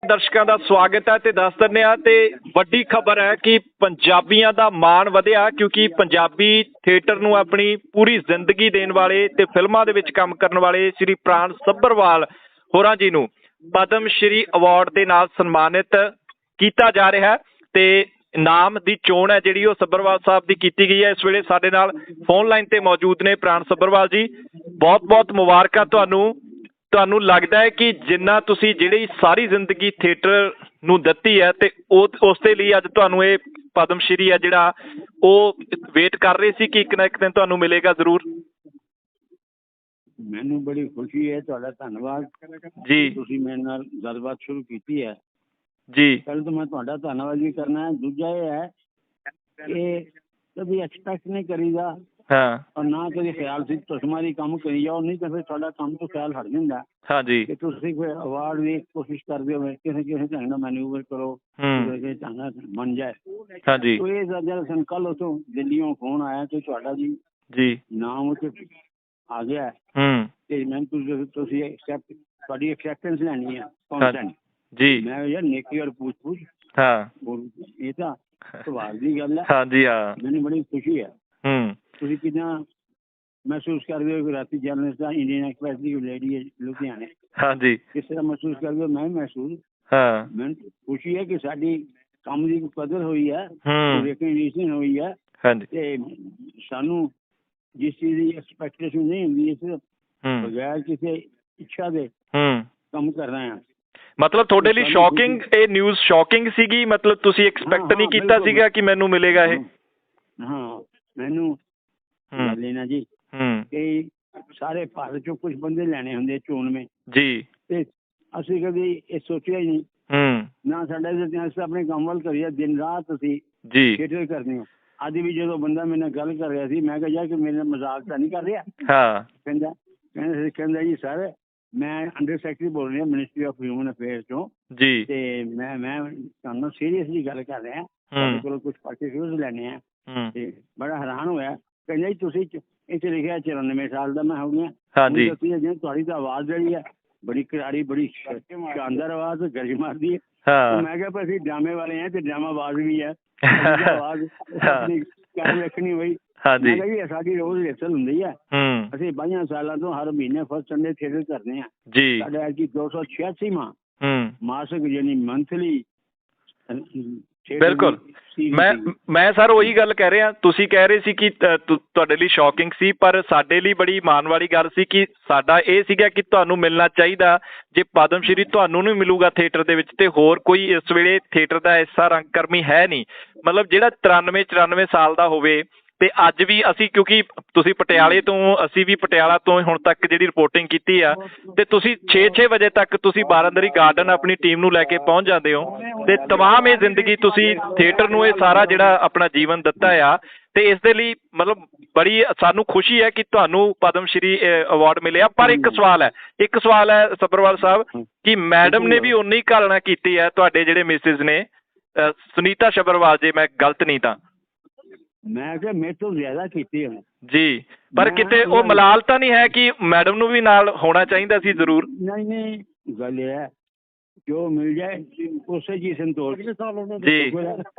ਦਰਸ਼ਕਾਂ ਦਾ ਸਵਾਗਤ ਹੈ ਤੇ ਦੱਸ ਦਿੰਦੇ ਆ ਤੇ ਵੱਡੀ ਖਬਰ ਹੈ ਕਿ ਪੰਜਾਬੀਆਂ ਦਾ ਮਾਣ ਵਧਿਆ ਕਿਉਂਕਿ ਪੰਜਾਬੀ ਥੀਏਟਰ ਨੂੰ ਆਪਣੀ ਪੂਰੀ ਜ਼ਿੰਦਗੀ ਦੇਣ ਵਾਲੇ ਤੇ ਫਿਲਮਾਂ ਦੇ ਵਿੱਚ ਕੰਮ ਕਰਨ ਵਾਲੇ ਸ਼੍ਰੀ ਪ੍ਰਾਣ ਸੱਭਰਵਾਲ ਹੋਰਾਂ ਜੀ ਨੂੰ ਪਦਮ ਸ਼੍ਰੀ ਅਵਾਰਡ ਦੇ ਨਾਲ ਸਨਮਾਨਿਤ ਕੀਤਾ ਜਾ ਰਿਹਾ ਹੈ ਤੇ ਨਾਮ ਦੀ ਚੋਣ ਹੈ ਜਿਹੜੀ ਉਹ ਸੱਭਰਵਾਲ ਸਾਹਿਬ ਦੀ ਕੀਤੀ ਗਈ ਹੈ। ਇਸ ਵੇਲੇ ਸਾਡੇ ਨਾਲ ਫੋਨ ਲਾਈਨ ਤੇ ਮੌਜੂਦ ਨੇ ਪ੍ਰਾਣ ਸੱਭਰਵਾਲ ਜੀ। ਬਹੁਤ ਬਹੁਤ ਮੁਬਾਰਕਾਂ ਤੁਹਾਨੂੰ ਲੱਗਦਾ ਹੈ ਕਿ ਜਿੰਨਾ ਤੁਸੀਂ ਜਿਹੜੀ ਸਾਰੀ ਜ਼ਿੰਦਗੀ ਥੀਏਟਰ ਨੂੰ ਦਿੱਤੀ ਹੈ ਤੇ ਉਸ ਦੇ ਲਈ ਅੱਜ ਤੁਹਾਨੂੰ ਇਹ ਪਦਮ ਸ਼੍ਰੀ ਹੈ ਜਿਹੜਾ ਉਹ ਵੇਟ ਕਰ ਰਹੇ ਸੀ ਕਿ ਇੱਕ ਨਾ ਇੱਕ ਦਿਨ ਤੁਹਾਨੂੰ ਮਿਲੇਗਾ ਜ਼ਰੂਰ। ਮੈਨੂੰ ਬੜੀ ਖੁਸ਼ੀ ਹੈ, ਤੁਹਾਡਾ ਧੰਨਵਾਦ ਜੀ। ਤੁਸੀਂ ਮੇਰੇ ਨਾਲ ਗੱਲਬਾਤ ਸ਼ੁਰੂ ਕੀਤੀ ਹੈ ਜੀ। ਪਹਿਲਾਂ ਤਾਂ ਮੈਂ ਤੁਹਾਡਾ ਧੰਨਵਾਦ ਵੀ ਕਰਨਾ ਹੈ। ਦੂਜਾ ਇਹ ਹੈ ਕਿ ਕਦੀ ਐਕਸਪੈਕਟ ਨਹੀਂ ਕਰੀਦਾ ਔਰ ਨਾ ਕਦੇ ਖਿਆਲ ਸੀ ਤੁਸਮਾਰੀ ਕੰਮ ਕਰੀ ਜਾਓ, ਨਹੀਂ ਤਾਂ ਫਿਰ ਤੁਹਾਡਾ ਕੰਮ ਤੋਂ ਖਿਆਲ ਹਟ ਜਾਂਦਾ। ਹਾਂਜੀ, ਕਿ ਤੁਸੀਂ ਕੋਈ ਅਵਾਰਡ ਦੀ ਕੋਸ਼ਿਸ਼ ਕਰਦੇ ਹੋ ਕਿਸੇ ਢੰਗ ਨਾਲ ਮੈਨੂਵਰ ਕਰੋ ਢੰਗ ਨਾਲ ਬਣ ਜਾਏ। ਹਾਂਜੀ, ਇਹ ਜਦ ਕੱਲ ਉੱਥੋਂ ਦਿੱਲੀੋਂ ਫੋਨ ਆਇਆ ਕਿ ਤੁਹਾਡਾ ਜੀ ਨਾਮ ਉੱਥੇ ਆ ਗਿਆ ਤੇ ਮੈਂ ਤੁਸੀਂ ਤੁਹਾਡੀ ਐਕਸੈਪਟੈਂਸ ਲੈਣੀ ਹੈ ਕੌਂਸੈਂਟ ਜੀ। ਮੈਂ ਯਾਰ ਨੇਕੀ ਔਰ ਪੁੱਛ ਇਹ ਤਾਂ ਸਵਾਲ ਦੀ ਗੱਲ ਹੈ। ਹਾਂਜੀ ਹਾਂ, ਮੈਨੂੰ ਬੜੀ ਖੁਸ਼ੀ ਹੈ। ਤੁਸੀਂ ਕਿੱਦਾਂ ਮਹਿਸੂਸ ਕਰਦੇ ਹੋ ਕਿ ਰਾਤੀ ਜਰਨਲਿਸਟ ਦਾ ਇੰਡੀਅਨ ਐਕਸਪ੍ਰੈਸ ਦੀ ਲੇਡੀ ਹੈ ਲੁਧਿਆਣੇ? ਹਾਂਜੀ, ਕਿਸ ਤਰ੍ਹਾਂ ਮਹਿਸੂਸ ਕਰਦੇ ਹੋ? ਮੈਂ ਮਹਿਸੂਸ ਮੈਨੂੰ ਖੁਸ਼ੀ ਹੈ ਕਿ ਸਾਡੀ ਕੰਮ ਦੀ ਕਦਰ ਹੋਈ ਹੈ, ਰਿਕਗਨੀਸ਼ਨ ਹੋਈ ਹੈ ਤੇ ਸਾਨੂੰ ਜਿਸ ਚੀਜ਼ ਦੀ ਐਕਸਪੈਕਟੇਸ਼ਨ ਨਹੀਂ ਹੁੰਦੀ ਇਸ ਬਗੈਰ ਕਿਸੇ ਇੱਛਾ ਦੇ ਕੰਮ ਕਰ ਰਹੇ ਹਾਂ। ਮਤਲਬ ਤੁਹਾਡੇ ਲਈ ਸ਼ੌਕਿੰਗ ਇਹ ਨਿਊਜ਼ ਸ਼ੌਕਿੰਗ ਸੀਗੀ? ਮਤਲਬ ਤੁਸੀਂ ਐਕਸਪੈਕਟ ਨਹੀਂ ਕੀਤਾ ਸੀਗਾ ਕਿ ਮੈਨੂੰ ਮਿਲੇਗਾ ਇਹ? ਹਾਂ, ਮੈਨੂੰ ਲੈਣਾ ਜੀ ਕਿ ਸਾਰੇ ਭਾਰਤ ਚੋਂ ਕੁਝ ਬੰਦੇ ਲੈਣੇ ਹੁੰਦੇ ਚੋਣਵੇਂ ਜੀ ਤੇ ਅਸੀਂ ਕਦੀ ਇਹ ਸੋਚਿਆ ਹੀ ਨਹੀਂ ਨਾ। ਸਾਡਾ ਅਸੀਂ ਆਪਣੇ ਕੰਮ ਵੱਲ ਕਰੀਏ, ਦਿਨ ਰਾਤ ਅਸੀਂ ਥੀਏਟਰ ਕਰਦੇ ਹਾਂ। ਅੱਜ ਵੀ ਜਦੋਂ ਬੰਦਾ ਮੇਰੇ ਨਾਲ ਗੱਲ ਕਰ ਰਿਹਾ ਸੀ ਮੈਂ ਕਿਹਾ ਯਾਰ ਕਿ ਮੇਰੇ ਨਾਲ ਮਜ਼ਾਕ ਤਾਂ ਨਹੀਂ ਕਰ ਰਿਹਾ? ਕਹਿੰਦਾ ਜੀ ਸਰ ਮੈਂ ਅੰਡਰ ਸੈਕਟਰੀ ਬੋਲ ਰਿਹਾ ਮਿਨਿਸਟਰੀ ਆਫ ਹਿਊਮਨ ਅਫੇਅਰਸ ਚੋਂ ਜੀ ਤੇ ਮੈਂ ਤੁਹਾਨੂੰ ਸੀਰੀਅਸਲੀ ਗੱਲ ਕਰ ਰਿਹਾ, ਤੁਹਾਡੇ ਕੋਲੋਂ ਕੁਝ ਪਾਰਟੀਕੂਲਰਸ ਲੈਣੇ ਆ। ਤੇ ਬੜਾ ਹੈਰਾਨ ਹੋਇਆ। ਕਹਿੰਦਾ ਜੀ ਤੁਸੀਂ ਇੱਥੇ ਲਿਖਿਆ 94 ਸਾਲ ਦਾ ਮੈਂ ਹੋ ਗਿਆ। ਹਾਂਜੀ, ਤੁਹਾਡੀ ਤਾਂ ਆਵਾਜ਼ ਜਿਹੜੀ ਹੈ ਬੜੀ ਕਰਾਰੀ, ਬੜੀ ਸ਼ਾਨਦਾਰ ਆਵਾਜ਼, ਗਰਜ ਮਾਰਦੀ ਹੈ। ਮੈਂ ਕਿਹਾ ਅਸੀਂ ਡਰਾਮੇ ਵਾਲੇ ਹਾਂ ਤੇ ਡਰਾਮਾ ਆਵਾਜ਼ ਵੀ ਹੈ, ਆਵਾਜ਼ ਵੇਖਣੀ ਹੋਈ। ਹਾਂਜੀ, ਸਾਡੀ ਰੋਜ਼ ਰਿਹਰਸਲ ਹੁੰਦੀ ਹੈ। ਅਸੀਂ 22 ਸਾਲਾਂ ਤੋਂ ਹਰ ਮਹੀਨੇ ਫਸਟ ਸੰਡੇ ਥੀਏਟਰ ਕਰਦੇ ਹਾਂ ਜੀ। ਸਾਡਾ ਐਤਕੀ 286ਵਾਂ ਮਾਸਿਕ ਯਾਨੀ ਮੰਥਲੀ। ਬਿਲਕੁਲ, ਮੈਂ ਸਰ ਉਹੀ ਗੱਲ ਕਹਿ ਰਿਹਾ। ਤੁਸੀਂ ਕਹਿ ਰਹੇ ਸੀ ਕਿ ਤੁਹਾਡੇ ਲਈ ਸ਼ੌਕਿੰਗ ਸੀ, ਪਰ ਸਾਡੇ ਲਈ ਬੜੀ ਮਾਣ ਵਾਲੀ ਗੱਲ ਸੀ ਕਿ ਸਾਡਾ ਇਹ ਸੀਗਾ ਕਿ ਤੁਹਾਨੂੰ ਮਿਲਣਾ ਚਾਹੀਦਾ। ਜੇ ਪਦਮ ਸ਼੍ਰੀ ਤੁਹਾਨੂੰ ਨਹੀਂ ਮਿਲੂਗਾ ਥੀਏਟਰ ਦੇ ਵਿੱਚ ਤੇ ਹੋਰ ਕੋਈ ਇਸ ਵੇਲੇ ਥੀਏਟਰ ਦਾ ਐਸਾ ਰੰਗਕਰਮੀ ਹੈ ਨਹੀਂ। ਮਤਲਬ ਜਿਹੜਾ 93-94 ਸਾਲ ਦਾ ਹੋਵੇ ਤੇ ਅੱਜ ਵੀ ਅਸੀਂ, ਕਿਉਂਕਿ ਤੁਸੀਂ ਪਟਿਆਲੇ ਤੋਂ, ਅਸੀਂ ਵੀ ਪਟਿਆਲਾ ਤੋਂ ਹੁਣ ਤੱਕ ਜਿਹੜੀ ਰਿਪੋਰਟਿੰਗ ਕੀਤੀ ਆ ਤੇ ਤੁਸੀਂ 6 ਵਜੇ ਤੱਕ ਤੁਸੀਂ ਬਾਰਾਂਦਰੀ ਗਾਰਡਨ ਆਪਣੀ ਟੀਮ ਨੂੰ ਲੈ ਕੇ ਪਹੁੰਚ ਜਾਂਦੇ ਹੋ ਤੇ ਤਮਾਮ ਇਹ ਜ਼ਿੰਦਗੀ ਤੁਸੀਂ ਥੀਏਟਰ ਨੂੰ ਇਹ ਸਾਰਾ ਜਿਹੜਾ ਆਪਣਾ ਜੀਵਨ ਦਿੱਤਾ ਆ। ਤੇ ਇਸ ਦੇ ਲਈ ਮਤਲਬ ਬੜੀ ਸਾਨੂੰ ਖੁਸ਼ੀ ਹੈ ਕਿ ਤੁਹਾਨੂੰ ਪਦਮ ਸ਼੍ਰੀ ਅਵਾਰਡ ਮਿਲਿਆ। ਪਰ ਇੱਕ ਸਵਾਲ ਹੈ ਸੱਭਰਵਾਲ ਸਾਹਿਬ ਕਿ ਮੈਡਮ ਨੇ ਵੀ ਉਨੀ ਘਾਲਣਾ ਕੀਤੀ ਹੈ ਤੁਹਾਡੇ ਜਿਹੜੇ ਮਿਸਿਸ ਨੇ ਸੁਨੀਤਾ ਸੱਭਰਵਾਲ, ਜੇ ਮੈਂ ਗਲਤ ਨਹੀਂ ਤਾਂ? ਮੈਂ ਕਿਹਾ ਮੇਰੇ ਤੋਂ ਜ਼ਿਆਦਾ ਕੀਤੀ ਹੈ ਜੀ, ਪਰ ਕਿਤੇ ਉਹ ਮਲਾਲ ਤਾਂ ਨਹੀਂ ਹੈ ਕਿ ਮੈਡਮ ਨੂੰ ਵੀ ਨਾਲ ਹੋਣਾ ਚਾਹੀਦਾ ਸੀ ਜ਼ਰੂਰ? ਨਹੀਂ, ਗੱਲ ਇਹ ਹੈ ਜੋ ਮਿਲ ਜਾਏ ਉਸੇ ਜੀ ਸੰਤੋਸ਼ ਜੀ।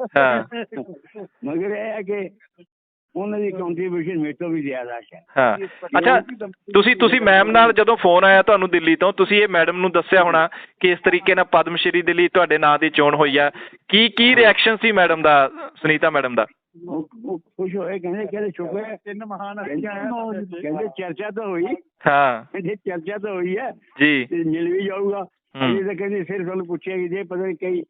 ਮਗਰ ਇਹ ਹੈ ਕਿ ਉਹਨਾਂ ਦੀ ਕੰਟਰੀਬਿਊਸ਼ਨ ਮੇਰੇ ਤੋਂ ਵੀ ਜ਼ਿਆਦਾ ਹੈ। ਅੱਛਾ, ਤੁਸੀਂ ਮੈਮ ਨਾਲ ਜਦੋਂ ਫੋਨ ਆਇਆ ਤੁਹਾਨੂੰ ਦਿੱਲੀ ਤੋਂ, ਤੁਸੀਂ ਇਹ ਮੈਡਮ ਨੂੰ ਦੱਸਿਆ ਹੋਣਾ ਕਿ ਇਸ ਤਰੀਕੇ ਨਾਲ ਪਦਮ ਸ਼੍ਰੀ ਦੇ ਲਈ ਤੁਹਾਡੇ ਨਾਂ ਦੀ ਚੋਣ ਹੋਈ ਆ। ਕੀ ਰਿਐਕਸ਼ਨ ਸੀ ਮੈਡਮ ਦਾ, ਸੁਨੀਤਾ ਮੈਡਮ ਦਾ? ਖੁਸ਼ ਹੋਏ, ਕਹਿੰਦੇ ਸ਼ੁਕਰ ਹੈ, ਕਹਿੰਦੇ ਚਰਚਾ ਤਾਂ ਹੋਈ। ਕਹਿੰਦੇ ਚਰਚਾ ਤਾਂ ਹੋਈ ਹੈ ਜੀ, ਮਿਲ ਵੀ ਜਾਊਗਾ। ਤਾਂ ਕਹਿੰਦੇ ਸਿਰ ਤੁਹਾਨੂੰ ਪੁੱਛਿਆ ਕਿ ਜੇ ਪਤਾ ਨਹੀਂ ਕਈ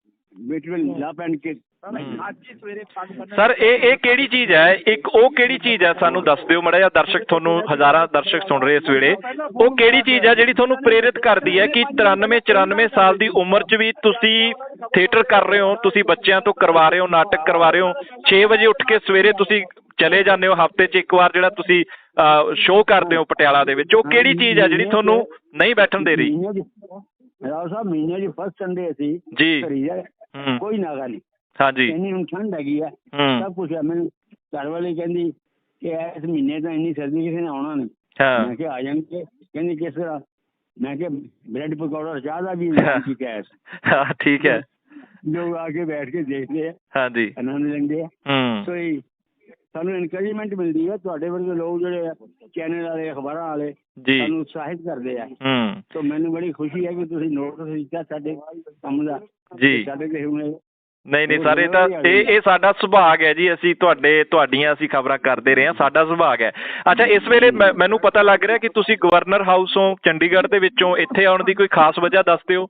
ਸਰ ਇਹ ਕਿਹੜੀ ਚੀਜ਼ ਹੈ? ਇੱਕ ਉਹ ਕਿਹੜੀ ਚੀਜ਼ ਹੈ ਸਾਨੂੰ ਦੱਸ ਦਿਓ ਮਾੜਾ ਜਿਹਾ। ਦਰਸ਼ਕ ਤੁਹਾਨੂੰ, ਹਜ਼ਾਰਾਂ ਦਰਸ਼ਕ ਸੁਣ ਰਹੇ ਇਸ ਵੇਲੇ, ਉਹ ਕਿਹੜੀ ਚੀਜ਼ ਹੈ ਜਿਹੜੀ ਤੁਹਾਨੂੰ ਪ੍ਰੇਰਿਤ ਕਰਦੀ ਹੈ ਕਿ 93-94 ਸਾਲ ਦੀ ਉਮਰ 'ਚ ਵੀ ਤੁਸੀਂ ਥੀਏਟਰ ਕਰ ਰਹੇ ਹੋ, ਤੁਸੀਂ ਬੱਚਿਆਂ ਤੋਂ ਕਰਵਾ ਰਹੇ ਹੋ, ਨਾਟਕ ਕਰਵਾ ਰਹੇ ਹੋ, 6 ਵਜੇ ਉੱਠ ਕੇ ਸਵੇਰੇ ਤੁਸੀਂ ਚਲੇ ਜਾਂਦੇ ਹੋ, ਹਫ਼ਤੇ 'ਚ ਇੱਕ ਵਾਰ ਜਿਹੜਾ ਤੁਸੀਂ ਸ਼ੋਅ ਕਰਦੇ ਹੋ ਪਟਿਆਲਾ ਦੇ ਵਿੱਚ? ਉਹ ਕਿਹੜੀ ਚੀਜ਼ ਹੈ ਜਿਹੜੀ ਤੁਹਾਨੂੰ ਨਹੀਂ ਬੈਠਣ ਦੇ ਰਹੀ? ਰਾਓ ਸਾਹਿਬ, ਮਹੀਨੇ 'ਚ ਫਸਟ ਸੰਡੇ ਅਸੀਂ ਜੀ ਕੋਈ ਨਾਗਾ ਨਹੀਂ। ਹਾਂਜੀ, ਇੰਨੀ ਹੁਣ ਠੰਡ ਹੈਗੀ ਹੈ, ਸਭ ਕੁਛ ਹੈ। ਮੈਨੂੰ ਘਰ ਵਾਲੀ ਕਹਿੰਦੀ ਕਿ ਇਸ ਮਹੀਨੇ ਤਾਂ ਇੰਨੀ ਸਰਦੀ ਕਿਸੇ ਨੇ ਆਉਣਾ ਨਹੀਂ। ਮੈਂ ਕਿਹਾ ਆ ਜਾਣਗੇ। ਕਹਿੰਦੀ ਕਿਸ ਤਰ੍ਹਾਂ? मैं क्या ब्रेड पकौड़ा और चाह का भी इंतजाम किया है। हाँ ठीक है। लोग आके बैठ के देखते हैं, हाँ जी, आनंद लेंगे। सो ਸਾਨੂੰ ਇਨਕਰੇਜਮੈਂਟ ਮਿਲਦੀ ਹੈ, ਤੁਹਾਡੇ ਵਰਗੇ ਲੋਕ ਜਿਹੜੇ ਚੈਨਲ ਵਾਲੇ ਅਖਬਾਰਾਂ ਵਾਲੇ ਸਾਨੂੰ ਉਤਸ਼ਾਹਿਤ ਕਰਦੇ ਆ। ਸੋ ਮੈਨੂੰ ਬੜੀ ਖੁਸ਼ੀ ਹੈ ਕਿ ਤੁਸੀਂ ਨੋਟਿਸ ਦਿੱਤਾ ਸਾਡੇ ਕੰਮ ਦਾ ਜੀ। ਸਾਡੇ ਤੇ ਹੁਣ ਨਹੀਂ ਨਹੀਂ ਸਰ, ਇਹ ਤਾਂ ਇਹ ਸਾਡਾ ਸੁਭਾਗ ਹੈ ਜੀ, ਅਸੀਂ ਤੁਹਾਡੀਆਂ ਅਸੀਂ ਖਬਰਾਂ ਕਰਦੇ ਰਹੇ ਹਾਂ, ਸਾਡਾ ਸੁਭਾਗ ਹੈ। ਅੱਛਾ, ਇਸ ਵੇਲੇ ਮੈਨੂੰ ਪਤਾ ਲੱਗ ਰਿਹਾ ਕਿ ਤੁਸੀਂ ਗਵਰਨਰ ਹਾਊਸੋਂ ਚੰਡੀਗੜ੍ਹ ਦੇ ਵਿੱਚੋਂ ਇੱਥੇ ਆਉਣ ਦੀ ਕੋਈ ਖਾਸ ਵਜ੍ਹਾ ਦੱਸ ਦਿਓ।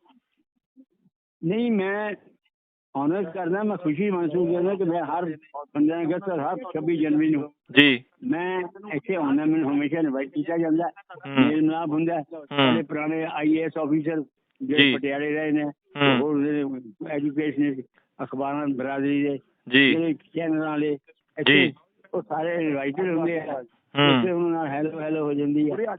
ਨਹੀਂ, ਮੈਂ ऑनर्स करना, मैं खुशी महसूस करना कि मैं हर 15 अगस्त और हर 26 जनवरी ਨੂੰ ਜੀ ਮੈਂ ਇੱਥੇ ਆਉਣਾ। ਮੈਨੂੰ ਹਮੇਸ਼ਾ ਇਨਵਾਈਟ ਕੀਤਾ ਜਾਂਦਾ, ਮੇਲ ਮਿਲਾਪ ਹੁੰਦਾ। ਸਾਡੇ ਪੁਰਾਣੇ IAS ਆਫੀਸਰ ਜਿਹੜੇ ਪਟਿਆਲੇ ਰਹੇ ਨੇ, ਹੋਰ ਐਜੂਕੇਸ਼ਨ ਅਖਬਾਰਾਂ ਬਰਾਦਰੀ ਦੇ ਜਿਹੜੇ ਚੈਨਲ ਵਾਲੇ ਇੱਥੇ, ਉਹ ਸਾਰੇ ਇਨਵਾਈਟਡ ਹੁੰਦੇ ਆ। ਉੱਥੇ ਉਹਨਾਂ ਨਾਲ ਹੈਲੋ ਹੋ ਜਾਂਦੀ ਹੈ।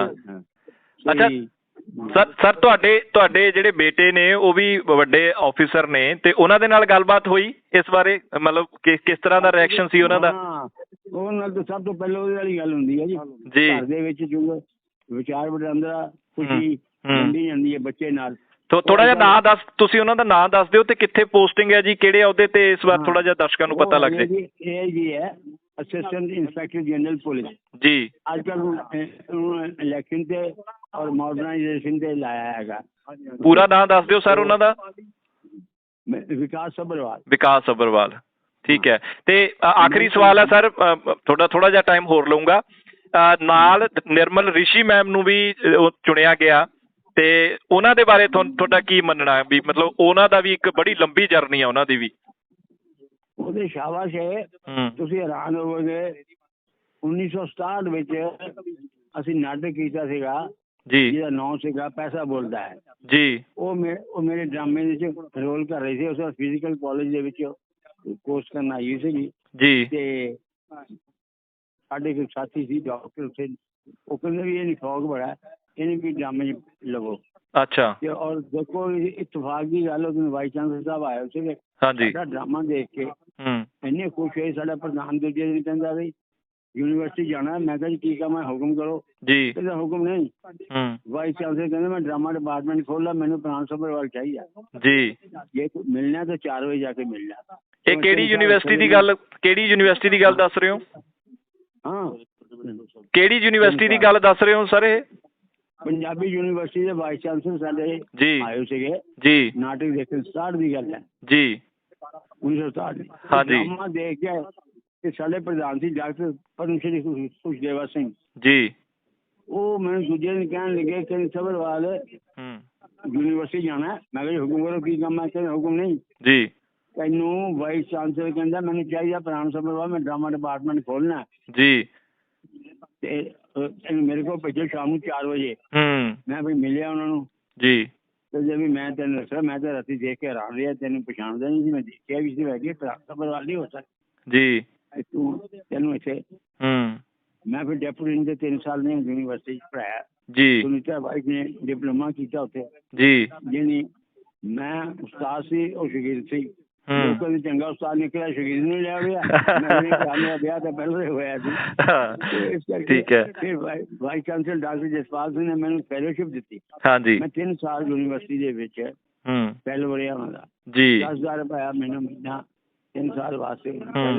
ਅੱਛਾ ਸਰ, ਤੁਹਾਡੇ ਜਿਹੜੇ ਬੇਟੇ ਨੇ ਉਹ ਵੀ ਵੱਡੇ ਆਫੀਸਰ ਨੇ, ਤੇ ਉਹਨਾਂ ਦੇ ਨਾਲ ਗੱਲਬਾਤ ਹੋਈ ਇਸ ਬਾਰੇ, ਮਤਲਬ ਕਿਸ ਤਰ੍ਹਾਂ ਦਾ ਰਿਐਕਸ਼ਨ ਸੀ ਉਹਨਾਂ ਦਾ? ਉਹਨਾਂ ਨਾਲ ਤਾਂ ਸਭ ਤੋਂ ਪਹਿਲਾਂ ਉਹਦੇ ਵਾਲੀ ਗੱਲ ਹੁੰਦੀ ਹੈ ਜੀ, ਘਰ ਦੇ ਵਿੱਚ ਜੋ ਵਿਚਾਰ ਵਟਾਂਦਰਾ ਖੁਸ਼ੀ ਵੰਡੀ ਜਾਂਦੀ ਹੈ ਬੱਚੇ ਨਾਲ। ਥੋੜਾ ਜਿਹਾ ਨਾਂ ਦੱਸ, ਤੁਸੀਂ ਉਹਨਾਂ ਦਾ ਨਾਂ ਦੱਸ ਦਿਓ ਤੇ ਕਿੱਥੇ ਪੋਸਟਿੰਗ ਹੈ ਜੀ, ਕਿਹੜੇ ਅਹੁਦੇ ਤੇ, ਇਸ ਵਾਰ ਥੋੜਾ ਜਿਹਾ ਦਰਸ਼ਕਾਂ ਨੂੰ ਪਤਾ ਲੱਗ ਜਾਏ। ਇਹ ਜੀ ਹੈ ਅਸਿਸਟੈਂਟ ਇੰਸਪੈਕਟਰ ਜਨਰਲ ਪੁਲਿਸ ਜੀ। ਅੱਜ ਕੱਲ੍ਹ ਇਲੈਕਸ਼ਨ ਤੇ ਔਰ ਮਾਡਰਨਾਈਜੇਸ਼ਨ ਤੇ ਲਾਇਆ ਹੈਗਾ। ਪੂਰਾ ਨਾਂ ਦੱਸ ਦਿਓ ਸਰ ਉਹਨਾਂ ਦਾ। ਵਿਕਾਸ ਸੱਭਰਵਾਲ। ਵਿਕਾਸ ਸੱਭਰਵਾਲ, ਠੀਕ ਹੈ। ਤੇ ਆਖਰੀ ਸਵਾਲ ਹੈ ਸਰ, ਥੋੜਾ ਜਿਹਾ ਟਾਈਮ ਹੋਰ ਲਊਂਗਾ। ਨਾਲ ਨਿਰਮਲ ਰਿਸ਼ੀ ਮੈਮ ਨੂੰ ਵੀ ਚੁਣਿਆ ਗਿਆ, ਤੇ ਉਹਨਾਂ ਦੇ ਬਾਰੇ ਤੁਹਾਡਾ ਕੀ ਮੰਨਣਾ ਵੀ, ਮਤਲਬ ਉਹਨਾਂ ਦਾ ਵੀ ਇੱਕ ਬੜੀ ਲੰਬੀ ਜਰਨੀ ਆ ਉਹਨਾਂ ਦੀ ਵੀ। ਉਹਦੇ ਸ਼ਾਬਾਸ਼ ਹੈ, ਤੁਸੀਂ ਹੈਰਾਨ ਹੋਵੋਗੇ। 1967 ਵਿੱਚ ਅਸੀਂ ਨਾਟਕ ਕੀਤਾ ਸੀਗਾ ਜੀ, ਜਿਹਦਾ ਨਾਂ ਸੀਗਾ ਪੈਸਾ ਬੋਲਦਾ ਹੈ ਜੀ। ਉਹ ਮੇਰੇ ਡਰਾਮੇ ਦੇ ਵਿੱਚ ਰੋਲ ਕਰ ਰਹੀ ਸੀ। ਉਸ ਵਾਰ ਫਿਜ਼ੀਕਲ ਕਾਲਜ ਦੇ ਵਿੱਚ ਕੋਰਸ ਕਰਨ ਆਈ ਸੀਗੀ ਜੀ। ਤੇ ਸਾਡੇ ਕੋਈ ਸਾਥੀ ਸੀ ਡਾਕਟਰ, ਉੱਥੇ ਉਹ ਕਹਿੰਦੇ ਵੀ ਇਹ ਨਹੀਂ ਫੌਗ ਬੜਾ, ਇਹਨੇ ਵੀ ਡਰਾਮੇ 'ਚ ਲਵੋ। ਅੱਛਾ। ਤੇ ਔਰ ਦੇਖੋ ਇਤਫਾਕ ਦੀ ਗੱਲ, ਉਹ ਵਾਈਸ ਚਾਂਸਲਰ ਸਾਹਿਬ ਆਏ ਸੀਗੇ। ਸਾਡਾ ਡਰਾਮਾ ਦੇਖ ਕੇ ਇੰਨੇ ਖੁਸ਼ ਹੋਏ। ਸਾਡਾ ਪ੍ਰਧਾਨ ਦੂਜੇ ਦਿਨ ਕਹਿੰਦਾ ਵੀ ਯੂਨੀਵਰਸਿਟੀ ਜਾਣਾ। ਮੈਂ ਕਿਹਾ ਜੀ ਠੀਕ ਆ, ਮੈਂ ਹੁਕਮ ਕਰੋ ਜੀ। ਕਹਿੰਦਾ ਹੁਕਮ ਨਹੀਂ। ਵਾਈਸ ਚਾਂਸਲਰ ਕਹਿੰਦੇ ਮੈਂ ਡਰਾਮਾ ਡਿਪਾਰਟਮੈਂਟ ਖੋਲ੍ਹਾ, ਮੈਨੂੰ ਪ੍ਰਾਣ ਸੱਭਰਵਾਲ ਚਾਹੀਦਾ ਜੀ। ਜੇ ਮਿਲਣਾ ਤਾਂ 4 ਵਜੇ ਜਾ ਕੇ ਮਿਲਣਾ। ਇਹ ਕਿਹੜੀ ਯੂਨੀਵਰਸਿਟੀ ਦੀ ਗੱਲ ਦੱਸ ਰਹੇ ਹੋ? ਹਾਂ, ਕਿਹੜੀ ਯੂਨੀਵਰਸਿਟੀ ਦੀ ਗੱਲ ਦੱਸ ਰਹੇ ਹੋ ਸਰ? ਇਹ ਪੰਜਾਬੀ ਯੂਨੀਵਰਸਿਟੀ ਦੇ ਵਾਈਸ ਚਾਂਸਲਰ ਸਾਡੇ ਆਏ ਸੀਗੇ ਜੀ। ਨਾਟਕ ਦੇਖਣ, 67 ਦੀ ਗੱਲ ਹੈ ਜੀ, 1967। ਹਾਂਜੀ। ਡਰਾਮਾ ਦੇਖ ਕੇ ਤੇ ਸਾਡੇ ਪ੍ਰਧਾਨ ਸੀ ਡਾਕਟਰ ਪਰਮ ਸ਼੍ਰੀ ਖੁਸ਼ਦੇਵਾ ਸਿੰਘ ਜੀ। ਉਹ ਮੈਨੂੰ ਦੂਜੇ ਦਿਨ ਕਹਿਣ ਲੱਗੇ ਕਿ ਸੱਭਰਵਾਲ ਯੂਨੀਵਰਸਿਟੀ ਜਾਣਾ। ਮੈਂ ਕਿਹਾ ਹੁਕਮ ਕਰੋ, ਕੀ ਕੰਮ ਹੈ? ਕਹਿੰਦੇ ਹੁਕਮ ਨਹੀਂ ਜੀ। ਤੈਨੂੰ ਵਾਈਸ ਚਾਂਸਲਰ ਕਹਿੰਦਾ ਮੈਨੂੰ ਚਾਹੀਦਾ ਪ੍ਰਾਣ ਸੱਭਰਵਾਲ, ਮੈਂ ਡਰਾਮਾ ਡਿਪਾਰਟਮੈਂਟ ਖੋਲਣਾ ਜੀ। ਤੇ ਮੇਰੇ ਕੋਲ ਭੇਜੋ ਸ਼ਾਮ ਨੂੰ 4 ਵਜੇ। ਮੈਂ ਵੀ ਮਿਲਿਆ ਉਹਨਾਂ ਨੂੰ ਜੀ। ਤੇ ਜੇ ਵੀ ਮੈਂ ਤੈਨੂੰ ਦੱਸਿਆ, ਮੈਂ ਤਾਂ ਰਾਤੀ ਦੇਖ ਕੇ ਹੈਰਾਨ ਰਿਹਾ, ਤੈਨੂੰ ਪਛਾਣਦਾ ਨਹੀਂ ਸੀ। ਮੈਂ ਦੇਖਿਆ ਵੀ ਸੀ, ਵੈਸੇ ਪ੍ਰਾਣ ਸੱਭਰਵਾਲ ਨਹੀਂ ਹੋ ਸਕਦਾ ਜੀ। ਤੈਨੂੰ ਇੱਥੇ ਮੈਂ ਫਿਰ ਡੈਪੂਟੀ ਦੇ 3 ਸਾਲ ਨੇ ਯੂਨੀਵਰਸਿਟੀ 'ਚ ਪੜ੍ਹਾਇਆ ਜੀ। ਸੁਨੀਤਾ ਵਾਈਫ ਨੇ ਡਿਪਲੋਮਾ ਕੀਤਾ ਉੱਥੇ ਜੀ। ਜਿਹਨੀ ਮੈਂ ਉਸਤਾਦ ਸੀ, ਉਹ ਸ਼ਗੀਰ ਸੀ। ਲੋਕਾਂ ਦੀ ਚੰਗਾ ਉਸਤਾਦ ਨਿਕਲਿਆ, ਸ਼ਗੀਰ ਨੂੰ ਲਿਆ ਹੋਇਆ। ਮੇਰਾ ਵਿਆਹ ਤਾਂ ਪਹਿਲਾਂ ਹੀ ਹੋਇਆ ਸੀ। ਇਸ ਕਰਕੇ ਫਿਰ vice chancellor doctor Jaspal Singh ਨੇ ਮੈਨੂੰ ਫੈਲੋਸ਼ਿਪ ਦਿੱਤੀ। ਮੈਂ 3 ਸਾਲ ਯੂਨੀਵਰਸਿਟੀ ਦੇ ਵਿੱਚ ਫੈਲੋ ਰਿਹਾ ਉਹਨਾਂ ਦਾ ਜੀ। 10,000 ਰੁਪਇਆ ਮੈਨੂੰ ਮਹੀਨਾ 3 ਸਾਲ ਵਾਸਤੇ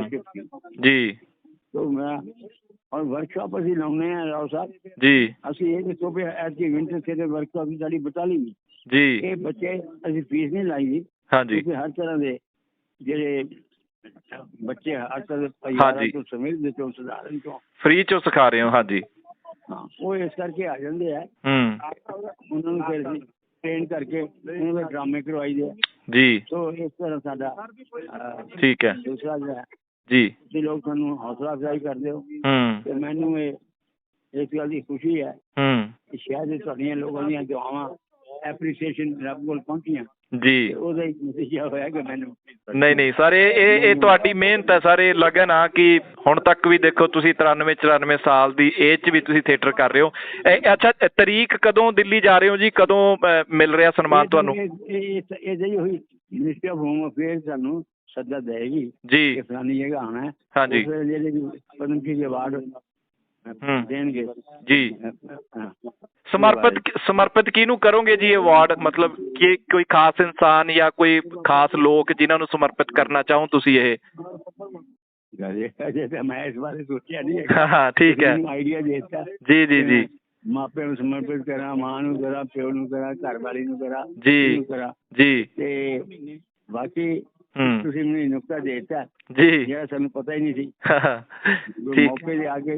ਜੀ। तो मैं और वर्कशॉप ਅਸੀਂ ਲਾਉਂਦੇ ਆ ਰਾਓ ਸਾਹਿਬ ਜੀ। ਅਸੀਂ ਇਹ ਦੱਸੋ ਵੀ ਐਤਕੀ ਵਿੰਟਰ ਤੇ ਵਰਕਸ਼ਾਪ ਵੀ ਸਾਡੀ ਬਟਾਲੀ ਜੀ। ਇਹ ਬੱਚੇ ਅਸੀਂ ਫੀਸ ਨਹੀਂ ਲਾਈ ਜੀ। ਹਾਂਜੀ, ਹਰ ਤਰ੍ਹਾਂ ਦੇ ਜਿਹੜੇ ਬੱਚੇ ਹਰ ਤਰ੍ਹਾਂ ਦੇ ਪਰਿਵਾਰਾਂ ਤੋਂ ਸਮੇਤ ਦੇ ਤੋਂ ਸਧਾਰਨ ਤੋਂ ਫ੍ਰੀ ਚੋਂ ਸਿਖਾ ਰਹੇ ਹੋ। ਹਾਂਜੀ ਹਾਂ, ਉਹ ਇਸ ਕਰਕੇ ਆ ਜਾਂਦੇ ਆ। ਉਹਨਾਂ ਨੂੰ ਫਿਰ ਟ੍ਰੇਨ ਕਰਕੇ ਉਹਨਾਂ ਦੇ ਡਰਾਮੇ ਕਰਵਾਈ ਦੇ ਜੀ। ਸੋ ਇਸ ਤਰ੍ਹਾਂ ਸਾਡਾ ਠੀਕ ਹੈ। ਦੂਸਰਾ ਜਿਹੜਾ ਜੀ, ਤੁਸੀਂ ਲੋਕ ਸਾਨੂੰ ਹੌਸਲਾ ਅਫਜ਼ਾਈ ਕਰਦੇ ਹੋ ਤੇ ਮੈਨੂੰ ਇਸ ਗੱਲ ਦੀ ਖੁਸ਼ੀ ਹੈ ਕਿ ਸ਼ਾਇਦ ਤੁਹਾਡੀਆਂ ਲੋਕਾਂ ਦੀਆਂ ਦੁਆਵਾਂ ਐਪਰੀਸੀਏਸ਼ਨ ਰੱਬ ਕੋਲ ਪਹੁੰਚੀਆਂ ਜੀ। ਉਹਦਾ ਇੱਕ ਨਤੀਜਾ ਹੋਇਆ ਕਿ ਮੈਨੂੰ ਨਹੀਂ ਸਰ, ਇਹ ਤੁਹਾਡੀ ਮਿਹਨਤ ਹੈ ਸਰ, ਇਹ ਲਗਨ ਆ ਕਿ ਹੁਣ ਤੱਕ ਵੀ ਦੇਖੋ ਤੁਸੀਂ 93-94 ਸਾਲ ਦੀ ਏਜ 'ਚ ਵੀ ਤੁਸੀਂ ਥੀਏਟਰ ਕਰ ਰਹੇ ਹੋ। ਅੱਛਾ, ਤਰੀਕ ਕਦੋਂ ਦਿੱਲੀ ਜਾ ਰਹੇ ਹੋ ਜੀ? ਕਦੋਂ ਮਿਲ ਰਿਹਾ ਸਨਮਾਨ ਤੁਹਾਨੂੰ? ਇਹ ਜਿਹੀ ਹੋਈ ਮਿਨਿਸਟਰੀ ਆਫ ਹੋਮ ਅਫੇਅਰਸ ਸਾਨੂੰ ਸੱਦਾ ਦੇਗੀ ਜੀ, ਫਲਾਨੀ ਜਗ੍ਹਾ ਆਉਣਾ ਹੈ। ਹਾਂਜੀ, ਜਿਹੜੇ ਪਦਮ ਸ਼੍ਰੀ ਅਵਾਰਡ ਦੇਣਗੇ ਜੀ। ਸਮਰਪਿਤ ਕਿਹਨੂੰ ਕਰੋਗੇ ਜੀ ਅਵਾਰਡ? ਮਤਲਬ ਕਿ ਕੋਈ ਖਾਸ ਇਨਸਾਨ ਜਾਂ ਕੋਈ ਖਾਸ ਲੋਕ ਜਿਨ੍ਹਾਂ ਨੂੰ ਸਮਰਪਿਤ ਕਰਨਾ ਚਾਹੋ ਤੁਸੀਂ ਇਹ? ਅਜੇ ਤਾਂ ਮੈਂ ਇਸ ਬਾਰੇ ਸੋਚਿਆ ਨਹੀਂ। ਹਾਂ ਠੀਕ ਹੈ। ਆਈਡੀਆ ਦੇ ਦਿੱਤਾ। ਜੀ ਜੀ ਜੀ। ਮਾਪਿਆਂ ਨੂੰ ਸਮਰਪਿਤ ਕਰਾਂ, ਮਾਂ ਨੂੰ ਕਰਾਂ, ਪਿਓ ਨੂੰ ਕਰਾਂ, ਘਰ ਵਾਲੀ ਨੂੰ ਕਰਾਂ, ਜੀ ਜੀ। ਤੇ ਬਾਕੀ ਤੁਸੀਂ ਮੈਨੂੰ ਨੁਕਤਾ ਦੇ ਦਿੱਤਾ ਜੀ, ਜਿਹੜਾ ਸਾਨੂੰ ਪਤਾ ਹੀ ਨਹੀਂ ਸੀ। ਮੌਕੇ ਤੇ ਆ ਕੇ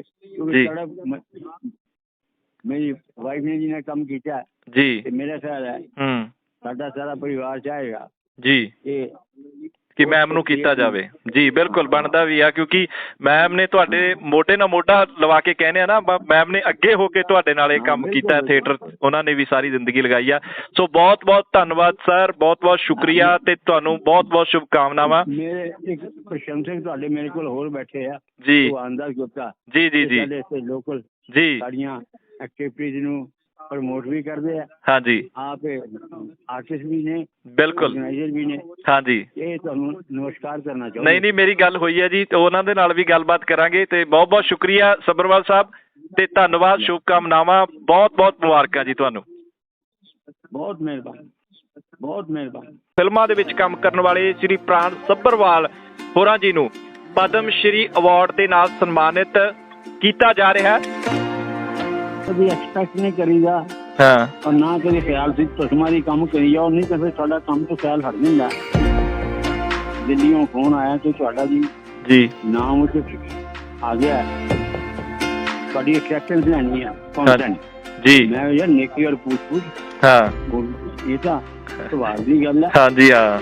ਮੇਰੀ ਵਾਈਫ ਨੇ ਜਿਹਨੇ ਕੰਮ ਕੀਤਾ ਜੀ, ਤੇ ਮੇਰਾ ਖਿਆਲ ਹੈ ਸਾਡਾ ਸਾਰਾ ਪਰਿਵਾਰ ਚਾਹੇਗਾ ਜੀ ਕਿ ਮੈਮ ਨੂੰ ਕੀਤਾ ਜਾਵੇ। ਜੀ ਬਿਲਕੁਲ ਬਣਦਾ ਵੀ ਆ, ਕਿਉਂਕਿ ਮੈਮ ਨੇ ਤੁਹਾਡੇ ਮੋਢੇ ਨਾਲ ਮੋਢਾ ਲਵਾ ਕੇ ਕਹਿੰਦੇ ਆ ਨਾ, ਮੈਮ ਨੇ ਅੱਗੇ ਹੋ ਕੇ ਤੁਹਾਡੇ ਨਾਲ ਇਹ ਕੰਮ ਕੀਤਾ ਥੀਏਟਰ, ਉਹਨਾਂ ਨੇ ਵੀ ਸਾਰੀ ਜ਼ਿੰਦਗੀ ਲਗਾਈ ਆ। ਸੋ ਬਹੁਤ ਬਹੁਤ ਧੰਨਵਾਦ ਸਰ, ਬਹੁਤ ਬਹੁਤ ਸ਼ੁਕਰੀਆ ਤੇ ਤੁਹਾਨੂੰ ਬਹੁਤ ਬਹੁਤ ਸ਼ੁਭਕਾਮਨਾਵਾਂ। ਮੇਰੇ ਇੱਕ ਪ੍ਰਸ਼ੰਸਕ ਤੁਹਾਡੇ ਮੇਰੇ ਕੋਲ ਹੋਰ ਬੈਠੇ ਆ ਜੀ, ਆਂਦਾ ਗੁਪਤਾ ਜੀ ਜੀ ਜੀ, ਲੋਕਲ ਜੀ ਸਾਡੀਆਂ ਐਕਟੀਵਿਟੀਜ਼ ਨੂੰ ਪ੍ਰਮੋਟ ਵੀ ਕਰਦੇ ਆ। ਹਾਂਜੀ, ਆਪ ਆਰਟਿਸਟ ਵੀ ਨੇ, ਬਿਲਕੁਲ ਆਰਗੇਨਾਈਜ਼ਰ ਵੀ ਨੇ। ਹਾਂਜੀ, ਇਹ ਤੁਹਾਨੂੰ ਨਮਸਕਾਰ ਕਰਨਾ ਚਾਹੁੰਦਾ। ਨਹੀਂ ਨਹੀਂ, ਮੇਰੀ ਗੱਲ ਹੋਈ ਹੈ ਜੀ, ਤੇ ਉਹਨਾਂ ਦੇ ਨਾਲ ਵੀ ਗੱਲਬਾਤ ਕਰਾਂਗੇ। ਤੇ ਬਹੁਤ ਬਹੁਤ ਸ਼ੁਕਰੀਆ ਸੱਭਰਵਾਲ ਸਾਹਿਬ ਤੇ ਧੰਨਵਾਦ, ਸ਼ੁਭਕਾਮਨਾਵਾਂ, ਬਹੁਤ ਬਹੁਤ ਮੁਬਾਰਕਾਂ ਜੀ ਤੁਹਾਨੂੰ। ਬਹੁਤ ਮਿਹਰਬਾਨੀ, ਬਹੁਤ ਮਿਹਰਬਾਨੀ। ਫਿਲਮਾਂ ਦੇ ਵਿੱਚ ਕੰਮ ਕਰਨ ਵਾਲੇ ਸ੍ਰੀ ਪ੍ਰਾਣ ਸੱਭਰਵਾਲ ਹੋਰਾਂ ਜੀ ਨੂੰ ਪਦਮ ਸ਼੍ਰੀ ਅਵਾਰਡ ਦੇ ਨਾਲ ਸਨਮਾਨਿਤ ਕੀਤਾ ਜਾ ਰਿਹਾ ਹੈ। ਕਦੀ ਐਕਸਪੈਕਟ ਨਹੀਂ ਕਰੀਦਾ ਔਰ ਨਾ ਕਦੇ ਖਿਆਲ ਸੀ ਤੁਸਮਾਰੀ ਕੰਮ ਕਰੀ ਜਾਓ, ਨਹੀਂ ਤਾਂ ਫਿਰ ਤੁਹਾਡਾ ਕੰਮ ਤੋਂ ਖਿਆਲ ਹਟ ਜਾਂਦਾ। ਦਿੱਲੀੋਂ ਫੋਨ ਆਇਆ ਕਿ ਤੁਹਾਡਾ ਜੀ ਨਾਮ ਉੱਤੇ ਆ ਗਿਆ, ਤੁਹਾਡੀ ਐਕਸੈਪਟੈਂਸ ਲੈਣੀ ਆ ਜੀ। ਮੈਂ ਯਾਰ ਨੇਕੀ ਔਰ ਪੁੱਛ ਇਹ ਤਾਂ ਸਵਾਲ ਦੀ ਗੱਲ ਹੈ। ਹਾਂਜੀ ਹਾਂ,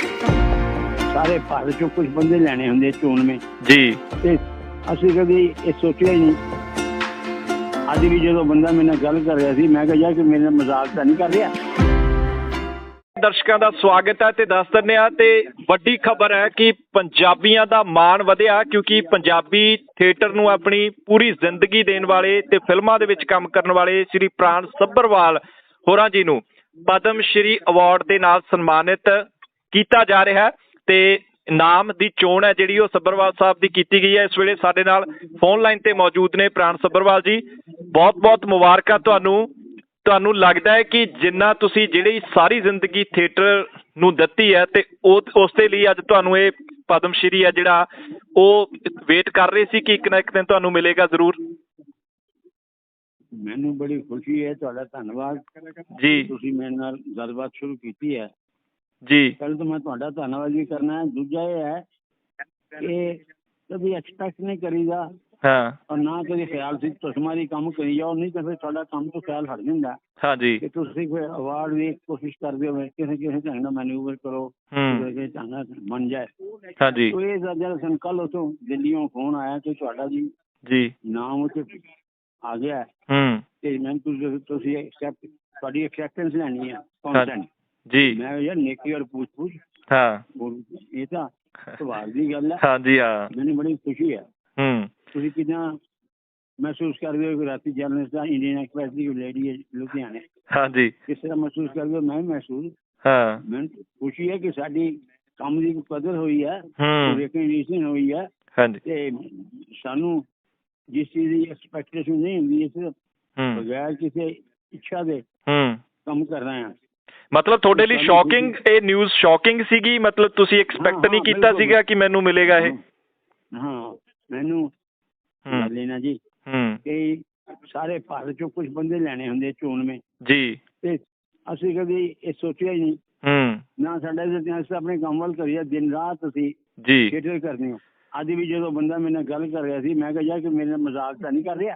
ਸਾਰੇ ਭਾਰਤ ਚੋਂ ਕੁਝ ਬੰਦੇ ਲੈਣੇ ਹੁੰਦੇ ਚੋਣਵੇਂ ਜੀ, ਤੇ ਅਸੀਂ ਕਦੀ ਇਹ ਸੋਚਿਆ ਹੀ ਨਹੀਂ। ਅੱਜ ਵੀ ਜਦੋਂ ਬੰਦਾ ਮੇਰੇ ਨਾਲ ਗੱਲ ਕਰ ਰਿਹਾ ਸੀ, ਮੈਂ ਕਿਹਾ ਯਾਰ ਕਿ ਮੇਰੇ ਨਾਲ ਮਜ਼ਾਕ ਤਾਂ ਨਹੀਂ ਕਰ ਰਿਹਾ। ਦਰਸ਼ਕਾਂ ਦਾ ਸਵਾਗਤ ਹੈ ਤੇ ਦੱਸ ਦਿੰਦੇ ਆ, ਤੇ ਵੱਡੀ ਖਬਰ ਹੈ ਕਿ ਪੰਜਾਬੀਆਂ ਦਾ ਮਾਣ ਵਧਿਆ, ਕਿਉਂਕਿ ਪੰਜਾਬੀ ਥੀਏਟਰ ਨੂੰ ਆਪਣੀ ਪੂਰੀ ਜ਼ਿੰਦਗੀ ਦੇਣ ਵਾਲੇ ਤੇ ਫਿਲਮਾਂ ਦੇ ਵਿੱਚ ਕੰਮ ਕਰਨ ਵਾਲੇ ਸ੍ਰੀ ਪ੍ਰਾਣ ਸੱਭਰਵਾਲ ਹੋਰਾਂ ਜੀ ਨੂੰ ਪਦਮ ਸ਼੍ਰੀ ਅਵਾਰਡ ਦੇ ਨਾਲ ਸਨਮਾਨਿਤ ਕੀਤਾ ਜਾ ਰਿਹਾ ਹੈ। ਤੇ ਨਾਮ ਦੀ ਚੋਣ ਹੈ ਜਿਹੜੀ ਉਹ ਸੱਭਰਵਾਲ ਸਾਹਿਬ ਦੀ ਕੀਤੀ ਗਈ ਹੈ। ਇਸ ਵੇਲੇ ਸਾਡੇ ਨਾਲ ਫੋਨ ਲਾਈਨ ਤੇ ਮੌਜੂਦ ਨੇ ਪ੍ਰਾਣ ਸੱਭਰਵਾਲ ਜੀ। ਬਹੁਤ ਬਹੁਤ ਮੁਬਾਰਕਾਂ ਤੁਹਾਨੂੰ। ਤੁਹਾਨੂੰ ਲੱਗਦਾ ਹੈ ਕਿ ਜਿੰਨਾ ਤੁਸੀਂ ਜਿਹੜੀ ਸਾਰੀ ਜ਼ਿੰਦਗੀ ਥੀਏਟਰ ਨੂੰ ਦਿੱਤੀ ਹੈ, ਤੇ ਉਸ ਦੇ ਲਈ ਅੱਜ ਤੁਹਾਨੂੰ ਇਹ ਪਦਮ ਸ਼੍ਰੀ ਹੈ ਜਿਹੜਾ ਉਹ ਵੇਟ ਕਰ ਰਹੇ ਸੀ ਕਿ ਇੱਕ ਨਾ ਇੱਕ ਦਿਨ ਤੁਹਾਨੂੰ ਮਿਲੇਗਾ ਜ਼ਰੂਰ? ਮੈਨੂੰ ਬੜੀ ਖੁਸ਼ੀ ਹੈ, ਤੁਹਾਡਾ ਧੰਨਵਾਦ ਜੀ। ਤੁਸੀਂ ਮੇਰੇ ਨਾਲ ਗੱਲਬਾਤ ਸ਼ੁਰੂ ਕੀਤੀ ਹੈ ਜੀ, ਪਹਿਲਾਂ ਤਾਂ ਮੈਂ ਤੁਹਾਡਾ ਧੰਨਵਾਦ ਵੀ ਕਰਨਾ ਹੈ। ਦੂਜਾ ਇਹ ਹੈ ਕਿ ਕਦੀ ਐਕਸਪੈਕਟ ਨਹੀਂ ਕਰੀਦਾ ਔਰ ਨਾ ਕਦੇ ਖਿਆਲ ਸੀ ਤੁਸਮਾਰੀ ਕੰਮ ਕਰੀ ਜਾਓ, ਨਹੀਂ ਤਾਂ ਫਿਰ ਤੁਹਾਡਾ ਕੰਮ ਤੋਂ ਖਿਆਲ ਹਟ ਜਾਂਦਾ। ਹਾਂਜੀ, ਕਿ ਤੁਸੀਂ ਕੋਈ ਅਵਾਰਡ ਦੀ ਕੋਸ਼ਿਸ਼ ਕਰਦੇ ਹੋ, ਕਿਸੇ ਢੰਗ ਨਾਲ ਮੈਨੂਵਰ ਕਰੋ, ਕਿਸੇ ਢੰਗ ਨਾਲ ਬਣ ਜਾਏ। ਹਾਂਜੀ, ਇਹ ਜਦ ਕੱਲ ਉੱਥੋਂ ਦਿੱਲੀੋਂ ਫੋਨ ਆਇਆ ਕਿ ਤੁਹਾਡਾ ਜੀ ਨਾਮ ਉੱਤੇ ਆ ਗਿਆ, ਤੇ ਮੈਂ ਤੁਸੀਂ ਤੁਹਾਡੀ ਐਕਸੈਪਟੈਂਸ ਲੈਣੀ ਹੈ ਕੌਂਸੈਂਟ ਜੀ। ਮੈਂ ਯਾਰ ਨੇਕੀ ਔਰ ਪੁੱਛ ਇਹ ਤਾਂ ਸਵਾਲ ਦੀ ਗੱਲ ਹੈ। ਹਾਂਜੀ ਹਾਂ, ਮੈਨੂੰ ਬੜੀ ਖੁਸ਼ੀ ਹੈ। ਤੁਸੀਂ ਕਿੱਦਾਂ ਮਹਿਸੂਸ ਕਰਦੇ ਹੋ ਕਿ ਰਾਤੀ ਜਰਨਲਿਸਟ ਦਾ ਇੰਡੀਅਨ ਐਕਸਪ੍ਰੈਸ ਦੀ ਲੇਡੀ ਹੈ ਲੁਧਿਆਣੇ? ਹਾਂਜੀ, ਕਿਸ ਤਰ੍ਹਾਂ ਮਹਿਸੂਸ ਕਰਦੇ ਹੋ? ਮੈਂ ਮਹਿਸੂਸ ਮੈਨੂੰ ਖੁਸ਼ੀ ਹੈ ਕਿ ਸਾਡੀ ਕੰਮ ਦੀ ਕਦਰ ਹੋਈ ਹੈ, ਰਿਕਗਨੀਸ਼ਨ ਹੋਈ ਹੈ। ਤੇ ਸਾਨੂੰ ਜਿਸ ਚੀਜ਼ ਦੀ ਐਕਸਪੈਕਟੇਸ਼ਨ ਨਹੀਂ ਹੁੰਦੀ, ਇਸ ਬਗੈਰ ਕਿਸੇ ਇੱਛਾ ਦੇ ਕੰਮ ਕਰ ਰਹੇ ਹਾਂ। ਮਤਲਬ ਤੁਹਾਡੇ ਲਈ ਸ਼ੌਕਿੰਗ ਇਹ ਨਿਊਜ਼ ਸ਼ੌਕਿੰਗ ਸੀਗੀ? ਮਤਲਬ ਤੁਸੀਂ ਐਕਸਪੈਕਟ ਨਹੀਂ ਕੀਤਾ ਸੀਗਾ ਕਿ ਮੈਨੂੰ ਮਿਲੇਗਾ ਇਹ? ਹਾਂ, ਮੈਨੂੰ ਲੈਣਾ ਜੀ ਕਿ ਸਾਰੇ ਭਾਰਤ ਚੋਂ ਕੁਝ ਬੰਦੇ ਲੈਣੇ ਹੁੰਦੇ ਚੋਣਵੇਂ ਜੀ, ਤੇ ਅਸੀਂ ਕਦੀ ਇਹ ਸੋਚਿਆ ਹੀ ਨਹੀਂ ਨਾ। ਸਾਡਾ ਅਸੀਂ ਆਪਣੇ ਕੰਮ ਵੱਲ ਕਰੀਏ, ਦਿਨ ਰਾਤ ਅਸੀਂ ਥੀਏਟਰ ਕਰਦੇ ਹਾਂ। ਅੱਜ ਵੀ ਜਦੋਂ ਬੰਦਾ ਮੇਰੇ ਨਾਲ ਗੱਲ ਕਰ ਰਿਹਾ ਸੀ, ਮੈਂ ਕਿਹਾ ਯਾਰ ਕਿ ਮੇਰੇ ਨਾਲ ਮਜ਼ਾਕ ਤਾਂ ਨਹੀਂ ਕਰ ਰਿਹਾ।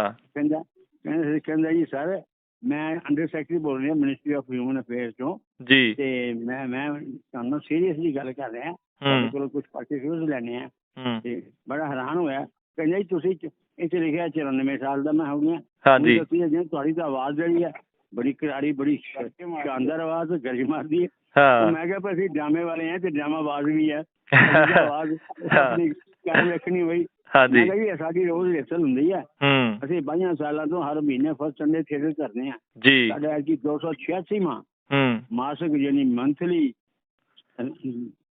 ਕਹਿੰਦਾ ਜੀ ਸਰ ਮੈਂ ਅੰਡਰ ਸੈਕਟਰੀ ਬੋਲ ਰਿਹਾ ਮਿਨਿਸਟਰੀ ਆਫ ਹਿਊਮਨ ਅਫੇਅਰਸ ਤੋਂ ਜੀ, ਤੇ ਮੈਂ ਤੁਹਾਨੂੰ ਸੀਰੀਅਸਲੀ ਗੱਲ ਕਰ ਰਿਹਾ, ਤੁਹਾਡੇ ਕੋਲੋਂ ਕੁਝ ਪਾਰਟੀਕੂਲਰਸ ਲੈਣੇ ਆ। ਤੇ ਬੜਾ ਹੈਰਾਨ ਹੋਇਆ, ਕਹਿੰਦਾ ਜੀ ਤੁਸੀਂ ਇੱਥੇ ਲਿਖਿਆ 94 ਸਾਲ ਦਾ ਮੈਂ ਹੋ ਗਿਆ। ਹਾਂਜੀ, ਤੁਹਾਡੀ ਤਾਂ ਆਵਾਜ਼ ਜਿਹੜੀ ਹੈ ਬੜੀ ਕਰਾਰੀ, ਬੜੀ ਸ਼ਾਨਦਾਰ ਆਵਾਜ਼, ਗਰਜ ਮਾਰਦੀ ਹੈ। ਮੈਂ ਕਿਹਾ ਭਾਈ ਅਸੀਂ ਡਰਾਮੇ ਵਾਲੇ ਆ ਤੇ ਡਰਾਮਾ ਆਵਾਜ਼ ਵੀ ਹੈ, ਆਵਾਜ਼ ਕਾਇਮ ਰੱਖਣੀ ਹੋਈ। ਮੈਂ ਕਿਹਾ ਜੀ ਸਾਡੀ ਰੋਜ਼ ਰਿਹਰਸਲ ਹੁੰਦੀ ਹੈ, ਅਸੀਂ 22 ਸਾਲਾਂ ਤੋਂ ਹਰ ਮਹੀਨੇ ਫਸਟ ਸੰਡੇ ਥੀਏਟਰ ਕਰਦੇ ਹਾਂ ਜੀ। ਸਾਡਾ ਐਤਕੀ 286ਵਾਂ ਮਾਸਿਕ ਯਾਨੀ ਮੰਥਲੀ